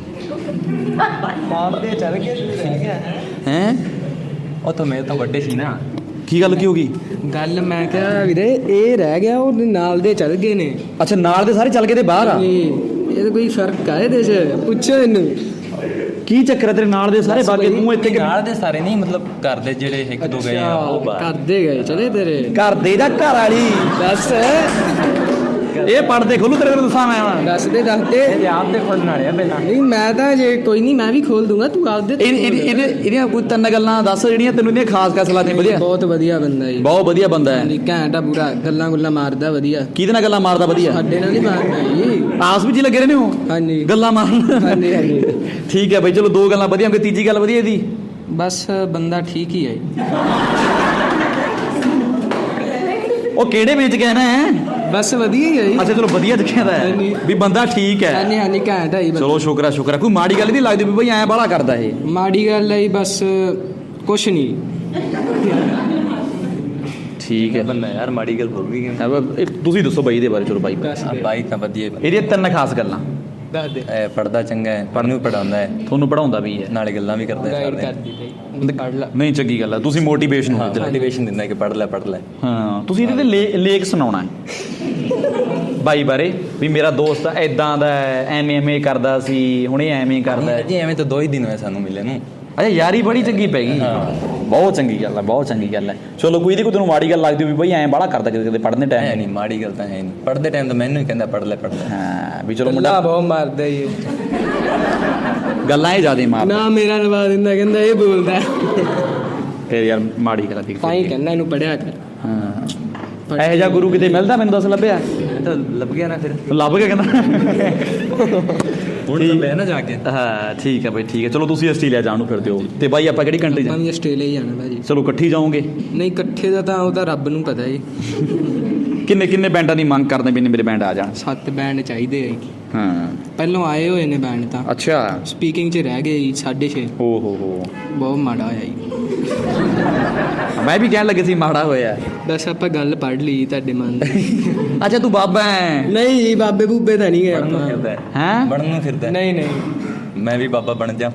ਨਾਲ ਦੇ ਚੱਲ ਗਏ
ਹੈਂ?
ਉਹ ਤਾਂ ਮੇਰੇ ਤੋਂ ਵੱਡੇ ਸੀ ਨਾ।
ਕੀ ਗੱਲ ਕੀ ਹੋ ਗਈ?
ਗੱਲ ਮੈਂ ਕਿਹਾ ਵੀਰੇ ਇਹ ਰਹਿ ਗਿਆ, ਉਹ ਨਾਲ ਦੇ ਚੱਲ ਗਏ ਨੇ।
ਅੱਛਾ, ਨਾਲ ਦੇ ਸਾਰੇ ਚੱਲ ਗਏ ਤੇ ਬਾਹਰ ਆ?
ਇਹ ਤਾਂ ਕੋਈ ਫਰਕ ਆ ਇਹਦੇ 'ਚ? ਪੁੱਛੋ ਇਹਨੂੰ
ਕੀ ਚੱਕਰ ਹੈ ਤੇਰੇ ਨਾਲ ਦੇ ਸਾਰੇ ਬਾਕੀ ਤੂੰ ਇੱਥੇ
ਨਾਲ ਦੇ ਸਾਰੇ ਨਹੀਂ, ਮਤਲਬ ਘਰ ਦੇ ਜਿਹੜੇ 1-2 ਗਏ ਆ ਉਹ ਬਾਹਰ।
ਕਰਦੇ ਗਏ ਚਲੇ ਤੇਰੇ
ਘਰ ਦੇ ਜਾਂ ਘਰ ਵਾਲੀ?
ਦੱਸ
ਇਹ ਪੜਦੇ ਖੋਲੂ ਤੇਰੇ ਨੂੰ ਦੱਸਾਂ ਮੈਂ ਹੁਣ।
ਦੱਸ ਦੇ
ਆਪ ਦੇ ਖੋਲਣ ਵਾਲੇ ਆ ਪਹਿਲਾਂ।
ਨਹੀਂ ਮੈਂ ਤਾਂ ਜੇ ਕੋਈ ਨਹੀਂ, ਮੈਂ ਵੀ ਖੋਲ ਦੂੰਗਾ, ਤੂੰ ਆਪਦੇ
ਇਹਦੀਆਂ ਕੋਈ 3 ਗੱਲਾਂ ਦੱਸ ਜਿਹੜੀਆਂ ਤੈਨੂੰ ਇਹਦੀਆਂ ਖਾਸ ਖਾਸ ਲੱਗਦੀਆਂ? ਵਧੀਆ,
ਬਹੁਤ ਵਧੀਆ ਬੰਦਾ ਜੀ।
ਬਹੁਤ ਵਧੀਆ ਬੰਦਾ ਹੈ।
ਘੈਂਟ ਆ ਪੂਰਾ, ਗੱਲਾਂ ਗੁੱਲਾਂ ਮਾਰਦਾ ਵਧੀਆ।
ਕਿਹਦੇ ਨਾਲ ਗੱਲਾਂ ਮਾਰਦਾ? ਵਧੀਆ।
ਸਾਡੇ ਨਾਲ ਨਹੀਂ ਮਾਰਦਾ ਜੀ।
ਆਸ ਵਿੱਚ ਹੀ ਲੱਗੇ ਰਹਿੰਦੇ ਹੋ?
ਹਾਂਜੀ
ਗੱਲਾਂ ਮਾਰਨ।
ਹਾਂਜੀ ਹਾਂਜੀ।
ਠੀਕ ਹੈ ਬਾਈ, ਚਲੋ 2 ਗੱਲਾਂ ਵਧੀਆ ਹੋਣਗੇ, ਤੀਜੀ ਗੱਲ ਵਧੀਆ ਇਹਦੀ?
ਬਸ ਬੰਦਾ ਠੀਕ ਹੀ ਹੈ ਜੀ।
ਉਹ ਕਿਹੜੇ ਵਿੱਚ ਕਹਿਣਾ ਹੈ?
ਬਸ ਵਧੀਆ ਹੀ ਹੈ ਜੀ।
ਅੱਛਾ ਚਲੋ ਵਧੀਆ ਦਿਖਿਆ ਦਾ ਹੈ
ਹਾਂਜੀ।
ਵੀ ਬੰਦਾ ਠੀਕ ਹੈ।
ਹਾਂਜੀ ਹਾਂਜੀ, ਘੈਂਟ ਹੈ ਜੀ ਬੰਦਾ।
ਚਲੋ ਸ਼ੁਕਰ ਹੈ। ਕੋਈ ਮਾੜੀ ਗੱਲ ਨਹੀਂ ਲੱਗਦੀ ਵੀ ਬਈ ਐਂ ਬਾਹਲਾ ਕਰਦਾ ਇਹ?
ਮਾੜੀ ਗੱਲ ਹੈ ਜੀ, ਬਸ ਕੁਛ ਨਹੀਂ।
ਠੀਕ ਹੈ।
ਬੰਦਾ ਯਾਰ ਮਾੜੀ ਗੱਲ ਬੋਲ ਵੀ ਗਿਆ।
ਤੁਸੀਂ ਦੱਸੋ ਬਾਈ ਇਹਦੇ ਬਾਰੇ। ਚਲੋ ਬਾਈ,
ਬਸ
ਬਾਈਕ ਤਾਂ ਵਧੀਆ।
ਇਹਦੀਆਂ 3 ਖਾਸ ਗੱਲਾਂ।
ਦੱਸ ਦੇ
ਪੜ੍ਹਦਾ ਚੰਗਾ ਹੈ, ਪੜ੍ਹਨ ਨੂੰ ਪੜਾਉਂਦਾ ਹੈ,
ਤੁਹਾਨੂੰ ਪੜਾਉਂਦਾ ਵੀ ਹੈ?
ਨਾਲੇ ਗੱਲਾਂ ਵੀ ਕਰਦਾ ਹੈ
ਗਾਈਡ
ਸਾਰਿਆਂ
ਕਰਦੀ ਤੇ ਪੜ ਲਾ।
ਨਹੀਂ, ਚੰਗੀ ਗੱਲ ਹੈ, ਤੁਸੀਂ ਮੋਟੀਵੇਸ਼ਨ ਹੋ ਇੱਧਰ।
ਮੋਟੀਵੇਸ਼ਨ ਦਿੰਦਾ ਕਿ ਪੜ੍ਹ ਲੈ।
ਹਾਂ, ਤੁਸੀਂ ਇਹਦੇ ਤੇ ਲੇਖ ਸੁਣਾਉਣਾ ਹੈ ਬਾਈ ਬਾਰੇ, ਵੀ ਮੇਰਾ ਦੋਸਤ ਐਦਾਂ ਦਾ ਹੈ, ਐਵੇਂ ਕਰਦਾ ਸੀ, ਹੁਣ ਇਹ ਐਵੇਂ ਕਰਦਾ ਹੈ।
ਜੀ ਐਵੇਂ ਤਾਂ 2 ਹੀ ਦਿਨ ਹੋਏ ਸਾਨੂੰ ਮਿਲੇ ਨੂੰ।
ਅੱਛਾ, ਯਾਰੀ ਬੜੀ ਚੰਗੀ ਪੈ ਗਈ। ਬਹੁਤ ਚੰਗੀ ਗੱਲ ਹੈ, ਬਹੁਤ ਚੰਗੀ ਗੱਲ ਹੈ। ਚਲੋ, ਕੋਈ ਇਹਦੀ ਕੋਈ ਤੈਨੂੰ ਮਾੜੀ ਗੱਲ ਲੱਗਦੀ ਹੋਵੇ ਬਈ ਐਂ ਬਾਹਲਾ ਕਰਦਾ ਕਿਤੇ ਪੜ੍ਹਨ ਦੇ
ਹੈ
ਟਾਈਮ?
ਨਹੀਂ, ਮਾੜੀ ਗੱਲ ਤਾਂ ਹੈ ਨਹੀਂ। ਪੜ੍ਹਦੇ ਟਾਈਮ ਤਾਂ ਮੈਨੂੰ ਹੀ ਕਹਿੰਦਾ ਪੜ੍ਹ ਲੈ।
ਹਾਂ, ਵੀ ਚਲੋ
ਗੱਲਾਂ
ਮੁੰਡਾ
ਬਹੁਤ ਮਾਰਦਾ ਈ ਇਹ।
ਗੱਲਾਂ ਹੀ ਜ਼ਿਆਦਾ ਮਾਰਦਾ।
ਨਾ ਮੇਰਾ ਲਵਾ ਦਿੰਦਾ, ਕਹਿੰਦਾ ਇਹ ਬੋਲਦਾ।
ਫਿਰ ਯਾਰ ਮਾੜੀ ਗੱਲ ਦੀ।
ਤਾਂ ਹੀ ਕਹਿੰਦਾ ਇਹਨੂੰ ਪੜਿਆ ਕਰ।
ਹਾਂ, ਇਹੋ ਜਿਹਾ ਗੁਰੂ ਕਿਤੇ ਮਿਲਦਾ? ਮੈਨੂੰ ਦੱਸ, ਲੱਭਿਆ?
ਤਾਂ ਲੱਭ ਗਿਆ ਨਾ, ਫਿਰ
ਲੱਭ ਗਿਆ ਕਹਿੰਦਾ।
ਹੁਣ ਤਾਂ ਲੈ ਨਾ ਜਾ ਕੇ।
ਹਾਂ, ਠੀਕ ਹੈ ਬਈ, ਠੀਕ ਹੈ। ਚਲੋ, ਤੁਸੀਂ ਆਸਟ੍ਰੇਲੀਆ ਜਾਣ ਨੂੰ ਫਿਰਦੇ ਹੋ ਤੇ ਬਾਈ ਆਪਾਂ ਕਿਹੜੀ ਕੰਟਰੀ
ਮੈਂ
ਜਾਣਾ?
ਵੀ ਆਸਟ੍ਰੇਲੀਆ ਹੀ ਜਾਣਾ ਭਾਜੀ।
ਚਲੋ, ਇਕੱਠੀ ਜਾਓਗੇ?
ਨਹੀਂ, ਇਕੱਠੇ ਦਾ ਤਾਂ ਉਹ ਤਾਂ ਰੱਬ ਨੂੰ ਪਤਾ ਜੀ।
ਕਿੰਨੇ ਬੈਂਡਾਂ ਦੀ ਮੰਗ ਕਰਦੇ ਵੀ ਨੇ ਮੇਰੇ ਬੈਂਡ ਆ ਜਾਣ?
7 ਬੈਂਡ ਚਾਹੀਦੇ ਆ ਜੀ।
ਹਾਂ,
ਪਹਿਲੋਂ ਆਏ ਹੋਏ ਨੇ ਬੈਂਡ ਤਾਂ,
ਅੱਛਾ।
ਸਪੀਕਿੰਗ 'ਚ ਰਹਿ ਗਏ ਜੀ 6.5।
ਹੋ
ਬਹੁਤ ਮਾੜਾ ਹੋਇਆ ਜੀ।
ਮੈਂ ਵੀ ਕਹਿਣ ਲੱਗੇ ਸੀ ਮਾੜਾ ਹੋਇਆ।
ਬਸ ਆਪਾਂ ਗੱਲ ਪੜ੍ਹ ਲਈ ਤੁਹਾਡੇ ਮਨ ਦੀ।
ਅੱਛਾ, ਤੂੰ ਬਾਬਾ ਹੈ?
ਨਹੀਂ ਜੀ, ਬਾਬੇ ਬੂਬੇ ਤਾਂ ਨਹੀਂ ਗਏ
ਬਣਨ ਨੂੰ
ਆਪਾਂ।
ਫਿਰਦਾ ਹੈ।
ਹੈਂ?
ਬਣਨ ਨੂੰ ਫਿਰਦਾ ਹੈ।
ਨਹੀਂ
ਮੈਂ ਵੀ ਬਾਬਾ ਬਣ ਜਾ।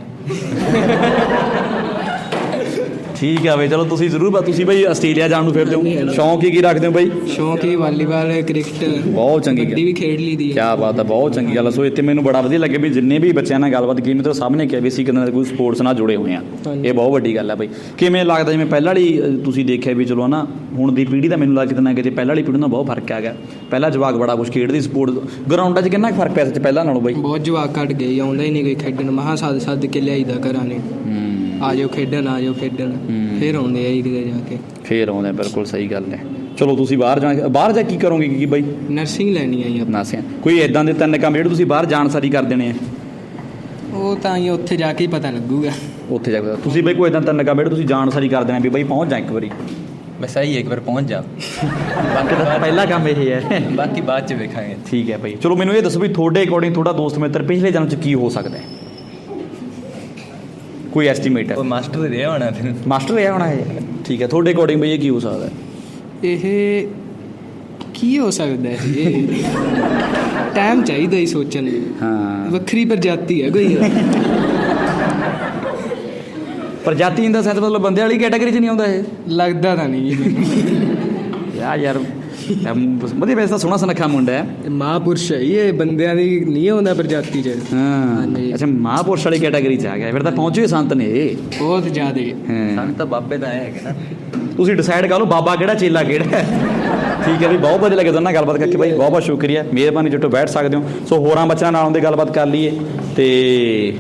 ਠੀਕ ਆ ਬਈ, ਚਲੋ ਤੁਸੀਂ ਜ਼ਰੂਰ ਤੁਸੀਂ ਬਈ ਆਸਟ੍ਰੇਲੀਆ ਜਾਣ ਨੂੰ ਫਿਰਦੇ ਹੋ। ਸ਼ੌਂਕ ਕੀ ਰੱਖਦੇ ਹੋ ਬਈ?
ਸ਼ੌਂਕ ਹੀ ਵਾਲੀਬਾਲ, ਕ੍ਰਿਕਟ,
ਬਹੁਤ ਚੰਗੀ
ਕਬੱਡੀ ਵੀ ਖੇਡ ਲਈ ਦੀ ਹੈ।
ਕੀ ਬਾਤ ਹੈ, ਬਹੁਤ ਚੰਗੀ ਗੱਲ। ਸੋ ਇੱਥੇ ਮੈਨੂੰ ਬੜਾ ਵਧੀਆ ਲੱਗਿਆ ਵੀ ਜਿੰਨੇ ਵੀ ਬੱਚਿਆਂ ਨਾਲ ਗੱਲਬਾਤ ਕੀਤੀ, ਮਤਲਬ ਸਭ ਨੇ ਕਿਹਾ ਵੀ ਅਸੀਂ ਕਿਤੇ ਨਾ ਕੋਈ ਸਪੋਰਟਸ ਨਾਲ ਜੁੜੇ ਹੋਏ ਆ। ਇਹ ਬਹੁਤ ਵੱਡੀ ਗੱਲ ਹੈ ਬਈ। ਕਿਵੇਂ ਲੱਗਦਾ, ਜਿਵੇਂ ਪਹਿਲਾਂ ਵਾਲੀ ਤੁਸੀਂ ਦੇਖਿਆ ਵੀ ਚਲੋ ਨਾ, ਹੁਣ ਦੀ ਪੀੜ੍ਹੀ ਦਾ ਮੈਨੂੰ ਲੱਗਦਾ ਕਿਤੇ ਨਾ ਕਿਤੇ ਪਹਿਲਾਂ ਵਾਲੀ ਪੀੜ੍ਹੀ ਨਾਲ ਬਹੁਤ ਫਰਕ ਆ ਗਿਆ। ਪਹਿਲਾਂ ਜਵਾਕ ਬੜਾ ਕੁਛ ਖੇਡਦੀ, ਸਪੋਰਟ ਗਰਾਊਂਡਾਂ 'ਚ ਕਿੰਨਾ ਫਰਕ ਪਿਆ ਸੱਚ ਪਹਿਲਾਂ ਨਾਲੋਂ ਬਈ?
ਬਹੁਤ ਜਵਾਕ ਘੱਟ ਗਏ, ਆਉਂਦਾ ਹੀ ਨਹੀਂ ਕੋਈ ਖੇਡਣ। ਮਹਾਂ ਸੱਦ ਕੇ ਲਿਆਈਦਾ ਘਰਾਂ ਨੇ, ਆ ਜਾਓ ਖੇਡਣ। ਫਿਰ ਆਉਂਦੇ ਆ ਜੀ ਕਿਤੇ ਜਾ ਕੇ।
ਫੇਰ ਆਉਂਦੇ, ਬਿਲਕੁਲ ਸਹੀ ਗੱਲ ਹੈ। ਚਲੋ, ਤੁਸੀਂ ਬਾਹਰ ਜਾ ਕੀ ਕਰੋਗੇ ਕੀ ਬਈ?
ਨਰਸਿੰਗ ਲੈਣੀ ਆ ਜੀ ਆਪਾਂ।
ਨਾਸਿਆ ਕੋਈ ਇਦਾਂ ਦੇ 3 ਕੰਮ ਜਿਹੜੇ ਤੁਸੀਂ ਬਾਹਰ ਜਾਣ ਸਾਰੀ ਕਰ ਦੇਣੇ ਆ?
ਉਹ ਤਾਂ ਜੀ ਉੱਥੇ ਜਾ ਕੇ ਹੀ ਪਤਾ ਲੱਗੂਗਾ।
ਉੱਥੇ ਜਾ ਕੇ ਤੁਸੀਂ ਬਈ ਕੋਈ ਇਦਾਂ 3 ਕੰਮ ਜਿਹੜੇ ਤੁਸੀਂ ਜਾਣ ਸਾਰੀ ਕਰ ਦੇਣਾ ਵੀ ਬਈ ਪਹੁੰਚ ਜਾ ਇੱਕ ਵਾਰੀ?
ਬਸ ਆਹੀ ਇੱਕ ਵਾਰ ਪਹੁੰਚ ਜਾ।
ਬਾਕੀ ਤਾਂ ਪਹਿਲਾ ਕੰਮ ਇਹ ਹੈ।
ਬਾਕੀ ਬਾਅਦ 'ਚ ਵੇਖਾਂਗੇ।
ਠੀਕ ਹੈ ਬਈ। ਚਲੋ, ਮੈਨੂੰ ਇਹ ਦੱਸੋ ਵੀ ਤੁਹਾਡੇ ਅਕੋਰਡਿੰਗ ਤੁਹਾਡਾ ਦੋਸਤ ਮਿੱਤਰ ਪਿਛਲੇ ਜਨਮ 'ਚ ਕੀ ਹੋ ਸਕਦਾ ਹੈ? ਕੋਈ ਐਸਟੀਮੇਟ ਹੈ?
ਉਹ ਮਾਸਟਰ ਰਿਹਾ ਹੋਣਾ ਫਿਰ।
ਮਾਸਟਰ ਰਿਹਾ ਹੋਣਾ ਹੈ। ਠੀਕ ਹੈ, ਤੁਹਾਡੇ ਅਕੋਰਡਿੰਗ ਬਈ ਇਹ ਕੀ ਹੋ ਸਕਦਾ ਹੈ?
ਇਹ ਕੀ ਹੋ ਸਕਦਾ ਹੈ? ਇਹ ਟਾਈਮ ਚਾਹੀਦਾ ਹੀ ਸੋਚਣ ਲਈ।
ਹਾਂ,
ਵੱਖਰੀ ਪ੍ਰਜਾਤੀ ਹੈ ਕੋਈ।
ਪ੍ਰਜਾਤੀ ਦਾ ਸੈਂਸ ਮਤਲਬ ਬੰਦੇ ਵਾਲੀ ਕੈਟਾਗਰੀ 'ਚ ਨਹੀਂ ਆਉਂਦਾ ਇਹ?
ਲੱਗਦਾ ਤਾਂ ਨਹੀਂ ਜੀ।
ਯਾਰ ਵਧੀਆ, ਵੈਸੇ ਤਾਂ ਸੋਹਣਾ ਸੁਨੱਖਾ ਮੁੰਡਾ ਹੈ।
ਮਹਾਂਪੁਰਸ਼ ਹੈ ਇਹ, ਬੰਦਿਆਂ ਦੀ ਨਹੀਂ ਆਉਂਦਾ ਪ੍ਰਜਾਤੀ 'ਚ।
ਹਾਂ,
ਹਾਂਜੀ।
ਅੱਛਾ, ਮਹਾਂਪੁਰਸ਼ ਵਾਲੀ ਕੈਟਾਗਰੀ 'ਚ ਆ ਗਿਆ ਫਿਰ ਤਾਂ। ਪਹੁੰਚੇ ਸੰਤ ਨੇ ਇਹ
ਬਹੁਤ ਜ਼ਿਆਦਾ।
ਹਾਂ।
ਸਾਨੂੰ ਤਾਂ ਬਾਬੇ ਤਾਂ ਹੈਗੇ ਨਾ।
ਤੁਸੀਂ ਡਿਸਾਈਡ ਕਰ ਲਓ ਬਾਬਾ ਕਿਹੜਾ ਚੇਲਾ ਕਿਹੜਾ ਹੈ। ਠੀਕ ਹੈ ਵੀ, ਬਹੁਤ ਵਧੀਆ ਲੱਗਿਆ ਤੁਹਾਨੂੰ ਨਾਲ ਗੱਲਬਾਤ ਕਰਕੇ ਬਾਈ। ਬਹੁਤ ਬਹੁਤ ਸ਼ੁਕਰੀਆ, ਮਿਹਰਬਾਨੀ। ਜਿੱਟੋ ਬੈਠ ਸਕਦੇ ਹੋ। ਸੋ ਹੋਰਾਂ ਬੱਚਿਆਂ ਨਾਲ ਆਉਂਦੇ ਗੱਲਬਾਤ ਕਰ ਲਈਏ ਤੇ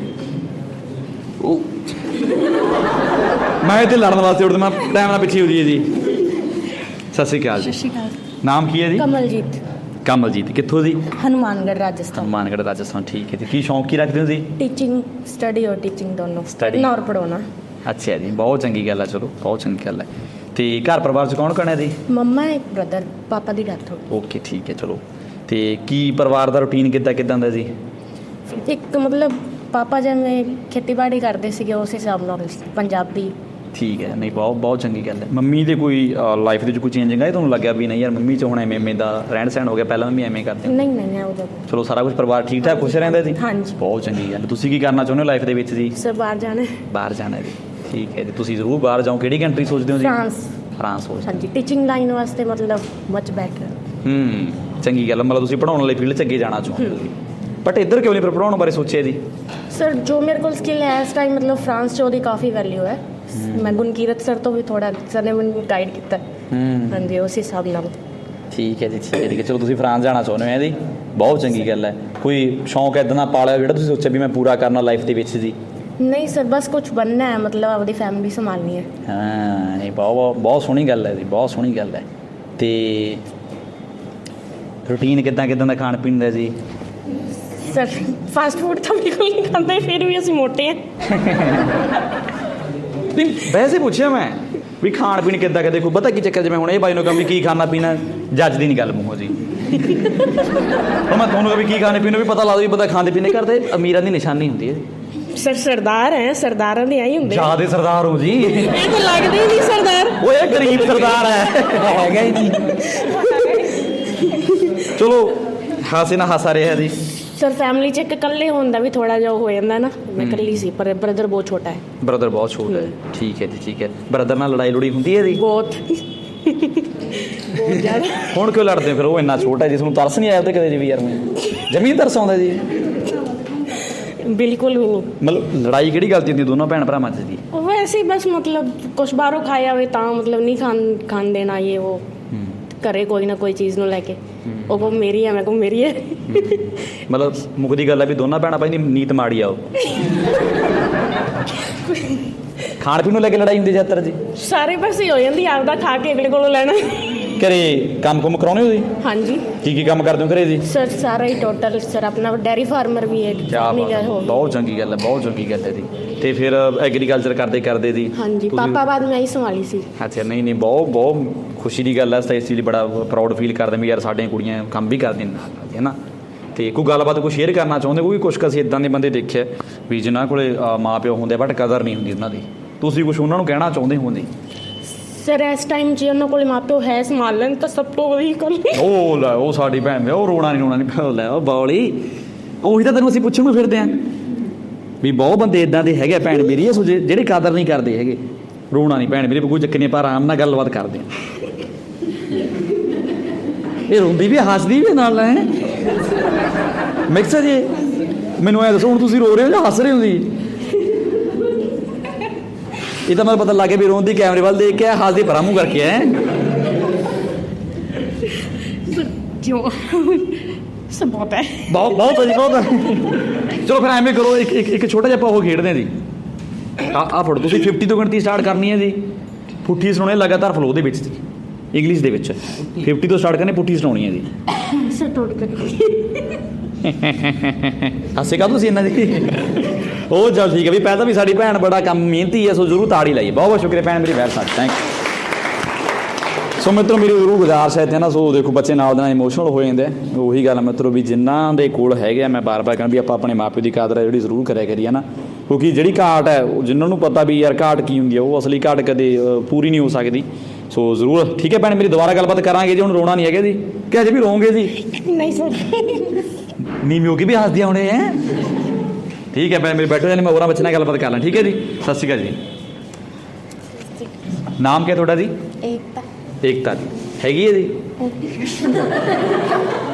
ਮੈਂ ਇੱਥੇ ਲੜਨ ਵਾਸਤੇ ਉੱਠਦਾ, ਮੈਂ ਟਾਈਮ ਨਾਲ ਪਿੱਛੇ ਹੋ ਜਾਈਏ ਜੀ। ਸਤਿ ਸ਼੍ਰੀ ਅਕਾਲ ਜੀ।
ਸਤਿ ਸ਼੍ਰੀ ਅਕਾਲ।
ਨਾਮ ਕੀ ਹੈ ਜੀ?
ਕਮਲਜੀਤ।
ਕਮਲਜੀਤ, ਕਿੱਥੋਂ ਜੀ?
ਹਨੂਮਾਨਗੜ੍ਹ, ਰਾਜਸਥਾਨ।
ਹਨੂਮਾਨਗੜ੍ਹ, ਰਾਜਸਥਾਨ। ਠੀਕ ਹੈ ਜੀ। ਕੀ ਸ਼ੌਂਕ ਕੀ ਰੱਖਦੇ ਹੋ ਜੀ?
टीचिंग, स्टडी और टीचिंग दोनों।
Study।
पढ़ना और पढ़ाना।
ਅੱਛਾ ਜੀ, ਬਹੁਤ ਚੰਗੀ ਗੱਲ ਹੈ। ਚਲੋ, ਬਹੁਤ ਚੰਗੀ ਗੱਲ ਹੈ। ਤੇ ਘਰ ਪਰਿਵਾਰ 'ਚ ਕੌਣ ਕੌਣ ਹੈ ਜੀ?
मम्मा एक ब्रदर, पापा दी डेथ हो
ਓਕੇ, ਠੀਕ ਹੈ। ਚਲੋ, ਤੇ ਕੀ ਪਰਿਵਾਰ ਦਾ ਰੂਟੀਨ ਕਿੱਦਾਂ ਦਾ ਜੀ?
गई। एक मतलब पापा जिवें खेतीबाड़ी करते ਸੀਗੇ ਉਸ ਹਿਸਾਬ ਨਾਲ ਪੰਜਾਬੀ।
ਠੀਕ ਹੈ। ਨਹੀਂ, ਬਹੁਤ ਚੰਗੀ ਗੱਲ ਹੈ। ਮੰਮੀ ਦੇ ਕੋਈ ਲਾਈਫ ਦੇ ਵਿੱਚ ਕੋਈ ਚੇਂਜਿੰਗ ਆਈ ਤੁਹਾਨੂੰ ਲੱਗਿਆ ਵੀ ਨਹੀਂ ਯਾਰ ਮੰਮੀ 'ਚ ਹੁਣ ਐਵੇਂ ਦਾ ਰਹਿਣ ਸਹਿਣ ਹੋ ਗਿਆ, ਪਹਿਲਾਂ ਮੰਮੀ ਐਵੇਂ ਕਰਦੇ?
ਨਹੀਂ ਉਹਦਾ
ਚਲੋ, ਸਾਰਾ ਕੁਝ ਪਰਿਵਾਰ ਠੀਕ ਠਾਕ ਖੁਸ਼ ਰਹਿੰਦਾ ਜੀ?
ਹਾਂਜੀ।
ਬਹੁਤ ਚੰਗੀ ਗੱਲ। ਤੁਸੀਂ ਕੀ ਕਰਨਾ ਚਾਹੁੰਦੇ ਹੋ ਲਾਈਫ ਦੇ ਵਿੱਚ ਜੀ?
ਸਰ ਬਾਹਰ ਜਾਣਾ।
ਬਾਹਰ ਜਾਣਾ ਜੀ। ਠੀਕ ਹੈ ਜੀ। ਤੁਸੀਂ ਜ਼ਰੂਰ ਬਾਹਰ ਜਾਓ। ਕਿਹੜੀ ਕੰਟਰੀ ਸੋਚਦੇ ਹੋ ਜੀ? ਫਰਾਂਸ ਸੋਚਦੇ?
ਹਾਂਜੀ, ਟੀਚਿੰਗ ਲਾਈਨ ਵਾਸਤੇ ਮਤਲਬ ਮਚ ਬੈਟਰ।
ਚੰਗੀ ਗੱਲ। ਮਤਲਬ ਤੁਸੀਂ ਪੜ੍ਹਾਉਣ ਵਾਲੀ ਫੀਲਡ 'ਚ ਅੱਗੇ ਜਾਣਾ ਚਾਹੁੰਦੇ ਹੋ ਜੀ। ਬਟ ਇੱਧਰ ਕਿਉਂ ਨਹੀਂ ਫਿਰ ਪੜ੍ਹਾਉਣ ਬਾਰੇ ਸੋਚਿਆ ਜੀ?
ਸਰ ਜੋ ਮੇਰੇ ਕੋਲ ਸਕਿੱਲ ਹੈ ਇਸ ਟਾਈਮ, ਮਤਲਬ ਫਰਾਂਸ 'ਚ ਉਹਦੀ ਕਾਫੀ ਵੈਲਿਊ ਹੈ। ਮੈਂ ਗੁਣਕੀਰਤ ਸਰ ਤੋਂ ਵੀ ਥੋੜਾ, ਸਰ ਨੇ ਮੈਨੂੰ ਗਾਈਡ ਕੀਤਾ। ਹਾਂਜੀ, ਉਸ ਹਿਸਾਬ ਨਾਲ।
ਠੀਕ ਹੈ ਜੀ, ਠੀਕ ਹੈ। ਚਲੋ, ਤੁਸੀਂ ਫਰਾਂਸ ਜਾਣਾ ਚਾਹੁੰਦੇ ਹੋ ਜੀ। ਬਹੁਤ ਚੰਗੀ ਗੱਲ ਹੈ। ਕੋਈ ਸ਼ੌਂਕ ਇੱਦਾਂ ਦਾ ਪਾਲਿਆ ਜਿਹੜਾ ਤੁਸੀਂ ਸੋਚਿਆ ਵੀ ਮੈਂ ਪੂਰਾ ਕਰਨਾ ਲਾਈਫ ਦੇ ਵਿੱਚ ਜੀ?
ਨਹੀਂ ਸਰ, ਬਸ ਕੁਝ ਬਣਨਾ ਹੈ, ਮਤਲਬ ਆਪਣੀ ਫੈਮਿਲੀ ਸੰਭਾਲਣੀ ਹੈ।
ਹਾਂ, ਨਹੀਂ, ਬਹੁਤ ਸੋਹਣੀ ਗੱਲ ਹੈ ਜੀ, ਬਹੁਤ ਸੋਹਣੀ ਗੱਲ ਹੈ। ਤੇ ਰੂਟੀਨ ਕਿੱਦਾਂ ਦਾ ਖਾਣ ਪੀਣ ਦਾ ਜੀ?
ਸਰ ਫਾਸਟ ਫੂਡ ਤਾਂ ਬਿਲਕੁਲ ਨਹੀਂ ਖਾਂਦੇ, ਫਿਰ ਵੀ ਅਸੀਂ ਮੋਟੇ ਹਾਂ।
ਨਹੀਂ, ਵੈਸੇ ਪੁੱਛਿਆ ਮੈਂ ਵੀ ਖਾਣ ਪੀਣ ਕਿੱਦਾਂ ਦੇਖੋ ਪਤਾ ਕੀ ਚੱਕਰ, ਜਿਵੇਂ ਹੁਣ ਇਹ ਬਾਈ ਨੂੰ ਕਹਾਂ ਵੀ ਕੀ ਖਾਣਾ ਪੀਣਾ, ਜੱਜ ਦੀ ਨਹੀਂ ਗੱਲ ਮੂੰਹੋਂ ਜੀ। ਹੁਣ ਮੈਂ ਤੁਹਾਨੂੰ ਕਹਾਂ ਵੀ ਕੀ ਖਾਣੇ ਪੀਣੇ, ਵੀ ਪਤਾ ਲਾ ਦੋ ਵੀ ਪਤਾ ਖਾਂਦੇ ਪੀਣੇ ਕਰਦੇ ਅਮੀਰਾਂ ਦੀ ਨਿਸ਼ਾਨੀ ਹੁੰਦੀ ਹੈ।
ਸਰ ਸਰਦਾਰ ਹੈ, ਸਰਦਾਰਾਂ ਦੇ ਆਈ ਹੁੰਦੇ।
ਜ਼ਿਆਦੇ ਸਰਦਾਰ ਹੋ ਜੀ।
ਇਹ ਤਾਂ ਲੱਗਦੇ ਹੀ ਨਹੀਂ ਸਰਦਾਰ।
ਓਏ ਗਰੀਬ ਸਰਦਾਰ ਹੈ, ਹੈਗਾ ਹੀ ਨਹੀਂ। ਚਲੋ, ਹਾਸੇ ਨਾਲ ਹਾਸਾ ਰਿਹਾ ਜੀ।
ਸਰ ਫੈਮਿਲੀ 'ਚ ਇੱਕ ਇਕੱਲੇ ਹੋਣ ਦਾ ਵੀ ਥੋੜਾ ਜਿਹਾ ਹੋ ਜਾਂਦਾ ਨਾ, ਮੈਂ ਇਕੱਲੀ ਸੀ ਪਰ ਬ੍ਰਦਰ ਬਹੁਤ ਛੋਟਾ ਹੈ।
ਬ੍ਰਦਰ ਬਹੁਤ ਛੋਟਾ ਹੈ, ਠੀਕ ਹੈ ਜੀ, ਠੀਕ ਹੈ। ਬ੍ਰਦਰ ਨਾਲ ਲੜਾਈ ਲੜੀ ਹੁੰਦੀ ਹੈ ਜੀ?
ਬਹੁਤ ਬਹੁਤ ਜ਼ਿਆਦਾ।
ਹੁਣ ਕਿਉਂ ਲੜਦੇ ਹੋ ਫਿਰ? ਉਹ ਇੰਨਾ ਛੋਟਾ ਜੀ, ਤੁਹਾਨੂੰ ਤਰਸ ਨਹੀਂ ਆਇਆ ਉਹਤੇ ਕਦੇ ਜੀ ਵੀ ਯਾਰ ਮੈਂ ਜ਼ਮੀਨ ਤਰਸ ਆਉਂਦਾ ਜੀ?
ਬਿਲਕੁਲ ਵੀ ਨਹੀਂ।
ਮਤਲਬ ਲੜਾਈ ਕਿਹੜੀ ਗੱਲ 'ਚ ਹੁੰਦੀ ਦੋਨੋਂ ਭੈਣ ਭਰਾਵਾਂ 'ਚ ਜੀ?
ਵੈਸੇ ਹੀ ਬਸ ਮਤਲਬ ਕੁਛ ਬਾਹਰੋਂ ਖਾਇਆ ਹੋਵੇ ਤਾਂ ਮਤਲਬ ਨਹੀਂ ਖਾਣ ਦੇਣਾ ਇਹ ਉਹ, ਘਰੇ ਕੋਈ ਨਾ ਕੋਈ ਚੀਜ਼ ਨੂੰ ਲੈ ਕੇ ਉਹ ਕੋ ਮੇਰੀ ਹੈ ਮੈਂ ਕੋ ਮੇਰੀ ਹੈ।
ਮਤਲਬ ਮੁੱਕਦੀ ਗੱਲ ਹੈ ਵੀ ਦੋਨਾਂ ਭੈਣਾਂ ਭਾਈ ਦੀ ਨੀਤ ਮਾੜੀ ਆ ਉਹ। ਖਾਣ ਪੀਣ ਨੂੰ ਲੈ ਕੇ ਲੜਾਈ ਹੁੰਦੀ ਜ਼ਿਆਦਾਤਰ ਜੀ?
ਸਾਰੇ ਪਾਸੇ ਹੋ ਜਾਂਦੀ, ਆਪਦਾ ਖਾ ਕੇ ਅਗਲੇ ਕੋਲੋਂ ਲੈਣਾ।
ਘਰੇ ਕੰਮ ਕੁਮ ਕਰਾਉਣੇ ਹੋ ਜੀ?
ਹਾਂਜੀ
ਕੀ ਕੀ ਕੰਮ ਕਰਦੇ ਹੋ ਘਰੇ ਜੀ?
ਸਰ ਸਾਰਾ ਹੀ ਟੋਟਲ ਸਰ ਆਪਣਾ ਡੈਰੀ ਫਾਰਮਰ ਵੀ ਹੈ।
ਕਿਆ ਬਾਤ ਹੈ, ਬਹੁਤ ਚੰਗੀ ਗੱਲ ਹੈ, ਬਹੁਤ ਚੰਗੀ ਗੱਲ ਹੈ ਜੀ। ਤੇ ਫਿਰ ਐਗਰੀਕਲਚਰ ਕਰਦੇ ਜੀ?
ਹਾਂਜੀ ਪਾਪਾ ਬਾਅਦ ਮੈਂ ਹੀ ਸੰਭਾਲੀ ਸੀ।
ਅੱਛਾ, ਨਹੀਂ ਨਹੀਂ, ਬਹੁਤ ਬਹੁਤ ਖੁਸ਼ੀ ਦੀ ਗੱਲ ਹੈ। ਇਸ ਚੀਜ਼ ਲਈ ਬੜਾ ਪ੍ਰਾਊਡ ਫੀਲ ਕਰਦੇ ਵੀ ਯਾਰ ਸਾਡੀਆਂ ਕੁੜੀਆਂ ਕੰਮ ਵੀ ਕਰਦੀਆਂ ਨਾਲ, ਹੈ ਨਾ। ਤੇ ਕੋਈ ਗੱਲਬਾਤ ਕੋਈ ਸ਼ੇਅਰ ਕਰਨਾ ਚਾਹੁੰਦੇ? ਕੋਈ ਕੁਛ ਅਸੀਂ ਇੱਦਾਂ ਦੇ ਬੰਦੇ ਦੇਖਿਆ ਵੀ ਜਿਨ੍ਹਾਂ ਕੋਲੇ ਮਾਂ ਪਿਓ ਹੁੰਦੇ ਬਟ ਕਦਰ ਨਹੀਂ ਹੁੰਦੀ ਉਹਨਾਂ ਦੀ, ਤੁਸੀਂ ਕੁਛ ਉਹਨਾਂ ਨੂੰ ਕਹਿਣਾ ਚਾਹੁੰਦੇ ਹੋ ਜੀ?
ਸਰ ਇਸ ਟਾਈਮ ਜੇ ਉਹਨਾਂ ਕੋਲ ਮਾਪਿਓ ਹੈ ਸੰਭਾਲਣ ਤਾਂ ਸਭ ਤੋਂ ਵਧੀਆ ਗੱਲ।
ਉਹ ਲੈ, ਉਹ ਸਾਡੀ ਭੈਣ ਉਹ ਰੋਣਾ ਨਹੀਂ ਲੈ ਉਹ ਬੌਲੀ, ਉਹੀ ਤਾਂ ਤੈਨੂੰ ਅਸੀਂ ਪੁੱਛਣ ਨੂੰ ਫਿਰਦੇ ਆਂ ਵੀ ਬਹੁਤ ਬੰਦੇ ਇਦਾਂ ਦੇ ਹੈਗੇ ਭੈਣ ਮੇਰੀ ਜਿਹੜੇ ਕਦਰ ਨਹੀਂ ਕਰਦੇ ਹੈਗੇ। ਰੋਣਾ ਨਹੀਂ ਭੈਣ ਮੇਰੀ, ਕੋਈ ਚੱਕਰ ਨਹੀਂ, ਆਪਾਂ ਆਰਾਮ ਨਾਲ ਗੱਲਬਾਤ ਕਰਦੇ ਹਾਂ। ਇਹ ਰੋਂਦੀ ਵੀ ਹੱਸਦੀ ਵੀ ਨਾਲ ਹੈ ਮਿਕਸ ਜੀ। ਮੈਨੂੰ ਐ ਦੱਸੋ ਹੁਣ ਤੁਸੀਂ ਰੋ ਰਹੇ ਹੋ ਜਾਂ ਹੱਸ ਰਹੇ ਹੋ ਜੀ? ਇਹ ਤਾਂ ਮੈਨੂੰ ਪਤਾ ਲੱਗ ਗਿਆ ਵੀ ਰੋਂਦੀ ਕੈਮਰੇ ਵੱਲ ਦੇਖ ਕੇ ਹੱਸਦੀ ਭਰਾ ਮੂੰਹ ਕਰਕੇ ਹੈ।
ਕਿਉਂ ਸਭ ਬਹੁਤ ਹੈ,
ਬਹੁਤ ਬਹੁਤ ਜੀ, ਬਹੁਤ। ਚਲੋ ਫਿਰ ਐਵੇਂ ਕਰੋ, ਇੱਕ ਛੋਟਾ ਜਿਹਾ ਆਪਾਂ ਉਹ ਖੇਡਦੇ ਹਾਂ ਜੀ। ਆ ਫੜੋ, ਤੁਸੀਂ 50 ਤੋਂ ਗਿਣਤੀ ਸਟਾਰਟ ਕਰਨੀ ਹੈ ਜੀ। ਪੁੱਠੀ ਸੁਣਾਉਣੀ ਲਗਾਤਾਰ ਫਲੋ ਦੇ ਵਿੱਚ ਜੀ, ਇੰਗਲਿਸ਼ ਦੇ ਵਿੱਚ 50 ਤੋਂ ਸਟਾਰਟ ਕਰਨੀ, ਪੁੱਠੀ ਸੁਣਾਉਣੀ ਹੈ ਜੀ।
ਸਰ ਟੋਟ
ਹਾਸੇ ਕਾ ਤੁਸੀਂ ਇਹਨਾਂ ਦੀ ਉਹ ਚੱਲ ਠੀਕ ਹੈ ਵੀ ਪਹਿਲਾਂ ਵੀ ਸਾਡੀ ਭੈਣ ਬੜਾ ਕੰਮ ਮਿਹਨਤੀ ਹੈ, ਸੋ ਜ਼ਰੂਰ ਤਾੜੀ ਲਾਈਏ। ਬਹੁਤ ਬਹੁਤ ਸ਼ੁਕਰੀਆ ਭੈਣ ਮੇਰੀ, very much thank you. So ਮਿੱਤਰੋ ਮੇਰੀ ਜ਼ਰੂਰ ਗੁਜ਼ਾਰਿਸ਼ ਹੈ ਇੱਥੇ ਨਾ, ਸੋ ਦੇਖੋ ਬੱਚੇ ਨਾਲ ਦੇ ਨਾਲ ਇਮੋਸ਼ਨਲ ਹੋ ਜਾਂਦੇ ਆ। ਉਹੀ ਗੱਲ ਮਿੱਤਰੋ ਵੀ ਜਿਨ੍ਹਾਂ ਦੇ ਕੋਲ ਹੈਗੇ ਆ, ਮੈਂ ਬਾਰ-ਬਾਰ ਕਹਿੰਦਾ ਵੀ ਆਪਾਂ ਆਪਣੇ ਮਾਪਿਓ ਦੀ ਕਦਰ ਹੈ ਜਿਹੜੀ ਜ਼ਰੂਰ ਕਰਿਆ ਕਰੀਏ ਨਾ, ਕਿਉਂਕਿ ਜਿਹੜੀ ਘਾਟ ਹੈ ਜਿਨ੍ਹਾਂ ਨੂੰ ਪਤਾ ਵੀ ਯਾਰ ਘਾਟ ਕੀ ਹੁੰਦੀ ਹੈ, ਉਹ ਅਸਲੀ ਘਾਟ ਕਦੇ ਪੂਰੀ ਨਹੀਂ ਹੋ ਸਕਦੀ। ਸੋ ਜ਼ਰੂਰ ਠੀਕ ਹੈ ਭੈਣ ਮੇਰੀ, ਦੁਬਾਰਾ ਗੱਲਬਾਤ ਕਰਾਂਗੇ ਜੀ। ਹੁਣ ਰੋਣਾ ਨਹੀਂ ਹੈਗਾ ਜੀ ਕਿ ਅਜੇ ਵੀ ਰੋਂਗੇ ਜੀ?
ਨਹੀਂ ਸਰ,
ਨੀਵੀਂ ਹੋ ਕੇ ਵੀ ਹੱਸਦੀਆਂ ਹੋਣੇ ਹੈ। ਠੀਕ ਹੈ ਭੈਣ ਮੇਰੀ, ਬੈਠੋ ਜਾਨੀ ਮੈਂ ਹੋਰਾਂ ਬੱਚੇ ਨਾਲ ਗੱਲਬਾਤ ਕਰ ਲਾਂ। ਠੀਕ ਹੈ ਜੀ, ਸਤਿ ਸ਼੍ਰੀ ਅਕਾਲ ਜੀ। ਨਾਮ ਕੀ ਹੈ ਤੁਹਾਡਾ ਜੀ?
ਏਕਤਾ।
ਏਕਤਾ ਜੀ ਹੈਗੀ ਹੈ ਜੀ?